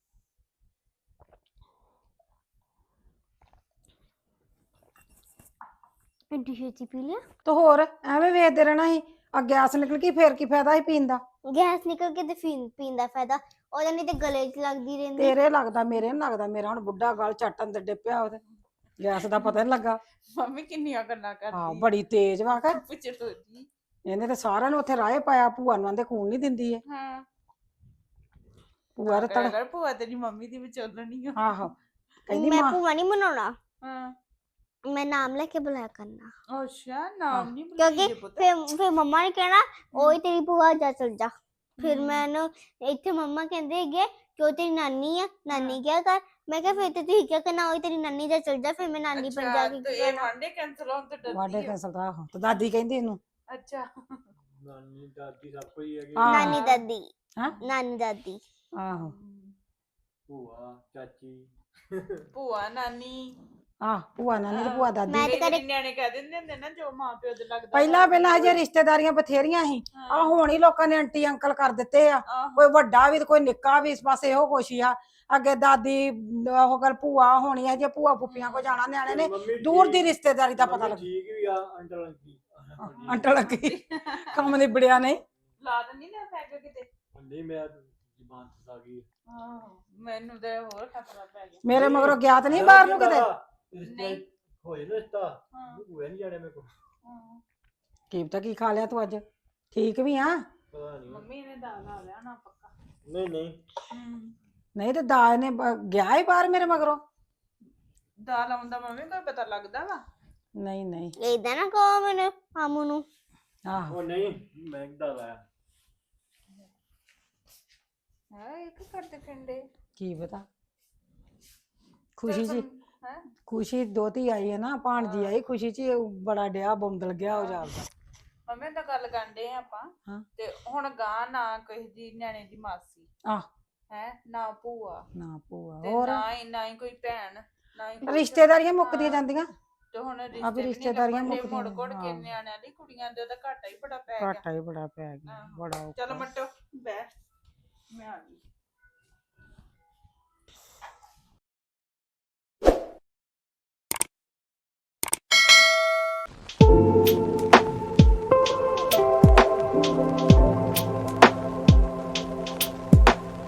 Speaker 2: ਐਡੀ ਛੇਤੀ ਪੀ ਲਿਆ।
Speaker 1: ਤੇ ਹੋਰ ਐਵੇਂ ਵੇਚਦੇ ਰਹਿਣਾ ਸੀ, ਆ ਗੈਸ ਨਿਕਲ ਗਈ ਫੇਰ ਕੀ ਫਾਇਦਾ ਸੀ ਪੀਣ ਦਾ।
Speaker 2: ਗੈਸ ਨਿਕਲ ਕੇ ਤੇ ਪੀਣ ਪੀਣ ਦਾ ਫਾਇਦਾ ਉਹਦਾ, ਨਹੀਂ ਤੇ ਗਲੇ 'ਚ ਲੱਗਦੀ ਰਹਿੰਦੀ।
Speaker 1: ਤੇਰੇ ਲੱਗਦਾ, ਮੇਰੇ ਨੀ ਲੱਗਦਾ। ਮੇਰਾ ਹੁਣ ਬੁੱਢਾ ਗਲ ਚੱਟ ਅੰਦਰ ਡਿੱਪਿਆ, ਉਹਦੇ ਗੈਸ ਦਾ ਪਤਾ ਨੀ ਲੱਗਾ।
Speaker 5: ਮੰਮੀ ਕਿੰਨੀਆਂ ਗੱਲਾਂ
Speaker 1: ਹਾਂ
Speaker 5: ਕਰਦੀ
Speaker 1: ਬੜੀ ਤੇਜ਼ ਵਾ ਕਰ,
Speaker 5: ਪੁੱਛੜੋਜੀ।
Speaker 1: ਇਹਨੇ ਤੇ ਸਾਰਿਆਂ ਨੂੰ ਉੱਥੇ ਰਾਹ ਪਾਇਆ। ਭੂਆ ਨੂੰ ਆਂਦੇ ਖੂਨ ਨਹੀਂ ਦਿੰਦੀ ਏ।
Speaker 5: ਹਾਂ
Speaker 1: ਭੂਆ ਦੇ ਤੜ
Speaker 5: ਅਗਰ ਭੂਆ ਤੇਰੀ ਮੰਮੀ ਦੀ ਵਿਚੋਲਣੀ ਆ।
Speaker 1: ਆਹੋ ਕਹਿੰਦੀ
Speaker 2: ਮੈਂ
Speaker 1: ਮਾਂ
Speaker 2: ਭੂਆ ਨਹੀਂ ਬਣਾਉਣਾ,
Speaker 5: ਹਾਂ
Speaker 2: ਮੈਂ ਨਾਮ ਲੈ ਕੇ ਬੁਲਾਇਆ ਕਰਨਾ।
Speaker 5: ਅੱਛਾ ਨਾਮ ਨਹੀਂ
Speaker 2: ਕਿਉਂਕਿ
Speaker 5: ਬੁਲਾਈਦੇ ਪੁੱਤ।
Speaker 2: ਫਿਰ ਫਿਰ ਮੰਮਾ ਨੇ ਕਹਿਣਾ ਉਹੀ ਤੇਰੀ ਭੂਆ, ਜਾ ਚਲ ਜਾ। ਫਿਰ ਮੈਨੂੰ ਇੱਥੇ ਮੰਮਾ ਕਹਿੰਦੇ ਹੈਗੇ ਕਿ ਉਹ ਤੇਰੀ ਨਾਨੀ ਆ, ਨਾਨੀ ਕਿਆ ਕਰ। ਮੈਂ ਕਿਹਾ ਫਿਰ ਤੇ ਤੁਸੀਂ ਕਿਆ ਕਰਨਾ, ਉਹੀ ਤੇਰੀ ਨਾਨੀ, ਜਾ ਚਲ ਜਾ। ਫਿਰ ਮੈਂ ਨਾਨੀ ਬਣ
Speaker 5: ਅੱਛਾ,
Speaker 2: ਜਾ ਕੇ
Speaker 5: ਤੇ
Speaker 2: ਕੀ
Speaker 5: ਇਹ
Speaker 2: ਕਰਨਾ।
Speaker 5: ਵਾਂਡੇ ਕੈਂਸਲ ਹੋਣ ਤੋਂ
Speaker 1: ਵਾਡੇ
Speaker 5: ਡਰਦੀ ਆ।
Speaker 1: ਕੈਸਲ ਦਾ ਆਹੋ, ਤੇ ਦਾਦੀ ਕਹਿੰਦੀ ਇਹਨੂੰ
Speaker 5: ਅੱਛਾ
Speaker 6: ਨਾਨੀ ਦਾਦੀ ਸਭ ਕੋਈ ਹੈਗੀ।
Speaker 1: ਹਾਂ।
Speaker 2: ਨਾਨੀ ਦਾਦੀ,
Speaker 1: ਹਾਂ
Speaker 2: ਨਾਨੀ ਦਾਦੀ।
Speaker 1: ਆਹੋ
Speaker 6: ਭੂਆ ਚਾਚੀ
Speaker 5: ਭੂਆ ਨਾਨੀ।
Speaker 1: ਆਹ ਭੂਆ ਨਾਨੀ ਤੇ ਭੂਆ ਦਾਦੀ।
Speaker 2: ਮੈਂ ਤੇ
Speaker 5: ਕਈ ਵਾਰੀ
Speaker 2: ਕਦੇ
Speaker 5: ਨਿਆਣੇ ਕਹਿ ਦਿੰਦੇ ਹੁੰਦੇ ਨਾ ਜੋ ਮਾਂ ਪਿਓ ਦੇ ਲੱਗਦਾ।
Speaker 1: ਪਹਿਲਾਂ ਪਹਿਲਾਂ ਹਜੇ ਰਿਸ਼ਤੇਦਾਰੀਆਂ ਬਥੇਰੀਆਂ ਸੀ, ਆ ਹੁਣ ਹੀ ਲੋਕਾਂ ਨੇ ਆਂਟੀ ਅੰਕਲ ਕਰ ਦਿੱਤੇ ਆ।
Speaker 5: ਆਹੋ।
Speaker 1: ਕੋਈ ਵੱਡਾ ਵੀ ਤੇ ਕੋਈ ਨਿੱਕਾ ਵੀ, ਇਸ ਪਾਸੇ ਇਹੋ ਕੁਛ ਹੀ ਆ। ਅੱਗੇ ਦਾਦੀ ਉਹ ਗੱਲ ਭੂਆ ਹੋਣੀ ਆ, ਜੇ ਭੂਆ ਫੁੱਫੀਆਂ ਕੋ ਜਾਣਾ ਨਿਆਣੇ ਨੇ
Speaker 6: ਮੰਮੀ
Speaker 1: ਦੂਰ ਦੀ
Speaker 6: ਠੀਕ-
Speaker 1: ਰਿਸ਼ਤੇਦਾਰੀ ਦਾ ਪਤਾ
Speaker 6: ਮੰਮੀ
Speaker 1: ਲੱਗ।
Speaker 6: ਠੀਕ ਵੀ ਆ ਅੰਟਲ ਅੰਕੀ
Speaker 1: ਅੰਟਲ ਲੱਗੀ ਕੰਮ ਨਿਬੜਿਆ ਨਹੀਂ।
Speaker 5: ਲਾ ਦਿੰਦੀ ਨਾ ਪੈਗ ਕਿਤੇ।
Speaker 6: ਨਹੀਂ ਮੈਂ ਜ਼ਬਾਨ ਫਸਾ ਗਈ।
Speaker 5: ਆਹੋ ਮੈਨੂੰ ਤੇ ਹੋਰ ਖਤਰਾ ਪੈ ਗਿਆ।
Speaker 1: ਮੇਰੇ ਮਗਰੋਂ ਗਿਆ ਤੇ ਨਹੀਂ ਬਾਹਰ ਨੂੰ ਕਿਤੇ।
Speaker 6: ਰਿਸ਼ਤੇ ਹੋਏ ਨਾ ਰਿਸ਼ਤਾ
Speaker 5: ਹਾਂ
Speaker 6: ਹੋਇਆ ਨਹੀਂ ਜਾਣੇ ਮੇਰੇ ਕੋਲ।
Speaker 5: ਹਾਂ।
Speaker 1: ਕੀ ਪਤਾ ਕੀ ਖਾ ਲਿਆ ਤੂੰ ਅੱਜ। ਠੀਕ ਵੀ ਆ
Speaker 6: ਪਤਾ ਨਹੀਂ।
Speaker 5: ਮੰਮੀ ਨੇ ਦਾਲ ਲਾ ਲਿਆ ਨਾ ਪੱਕਾ।
Speaker 6: ਨਹੀਂ ਨਹੀਂ
Speaker 5: ਹੂੰ
Speaker 1: ਨਹੀਂ ਤੇ ਦਾਜ ਨੇ ਬ- ਗਿਆ ਹੀ ਬਾਹਰ ਮੇਰੇ ਮਗਰੋਂ।
Speaker 5: ਦਾਲ ਆਉਂਦਾ ਮੰਮੀ ਕੋਈ ਪਤਾ ਲੱਗਦਾ ਵਾ।
Speaker 1: ਨਹੀਂ ਨਹੀਂ
Speaker 2: ਏਦਾਂ ਨਾ ਕਹੋ ਮੈਨੂੰ ਮਾਮੂ ਨੂੰ।
Speaker 1: ਆਹੋ
Speaker 6: ਉਹ ਨਹੀਂ ਮੈਂ ਕਿਦਾਂ ਲਾਇਆ।
Speaker 5: ਹੈ ਇੱਕ ਕਰਦੇ ਫਿੰਡੇ।
Speaker 1: ਕੀ ਪਤਾ। ਖੁਸ਼ੀ ਜੀ
Speaker 5: ਹੈ
Speaker 1: ਖੁਸ਼ੀ ਦੋਤੀ ਆਈ ਹੈ ਨਾ, ਭਾਣਜੀ ਆਈ ਖੁਸ਼ੀ ਚ ਹੀ ਉਹ ਬੜਾ ਡਿਆ ਬੰਦਲ ਗਿਆ ਉਹ ਜਾਪਦਾ।
Speaker 5: ਮੰਮੀ ਤਾਂ ਗੱਲ ਕਰਦੇ ਆ ਆਪਾਂ।
Speaker 1: ਹਾਂ।
Speaker 5: ਤੇ ਹੁਣ ਗਾਂ ਨਾ ਕਿਸੇ ਦੀ ਨਿਆਣੇ ਦੀ ਮਾਸੀ
Speaker 1: ਆਹ
Speaker 5: ਹੈ ਨਾ ਭੂਆ
Speaker 1: ਨਾ ਭੂਆ
Speaker 5: ਤੇ
Speaker 1: ਹੋਰ
Speaker 5: ਨਾ ਹੀ ਨਾ ਹੀ ਕੋਈ ਭੈਣ ਨਾ ਹੀ ਕੁਛ।
Speaker 1: ਰਿਸ਼ਤੇਦਾਰੀਆਂ ਮੁੱਕਦੀਆਂ
Speaker 5: ਹਾਂ।
Speaker 1: ਜਾਂਦੀਆਂ।
Speaker 5: ਤੇ ਹੁਣ
Speaker 1: ਆ
Speaker 5: ਰਿਸ਼ਤੇ
Speaker 1: ਵੀ
Speaker 5: ਵੀ
Speaker 1: ਰਿਸ਼ਤੇਦਾਰੀਆਂ
Speaker 5: ਮੁੜ
Speaker 1: ਮੁੱਕਦੀਆਂ
Speaker 5: ਕੋੜ ਕੇ
Speaker 1: ਹਾਂ।
Speaker 5: ਨਿਆਣਿਆਂ ਦੀ ਕੁੜੀਆਂ ਦੇ ਤਾਂ ਘਾਟਾ ਹੀ ਬੜਾ ਪੈ ਗਿਆ।
Speaker 1: ਘਾਟਾ ਹੀ ਬੜਾ ਪੈ ਗਿਆ
Speaker 5: ਆਹੋ।
Speaker 1: ਬੜਾ
Speaker 5: ਚਲੋ
Speaker 1: ਔਖਾ।
Speaker 5: ਮੱਟੋ ਬੈ ਮੈਂ ਆ ਗਈ।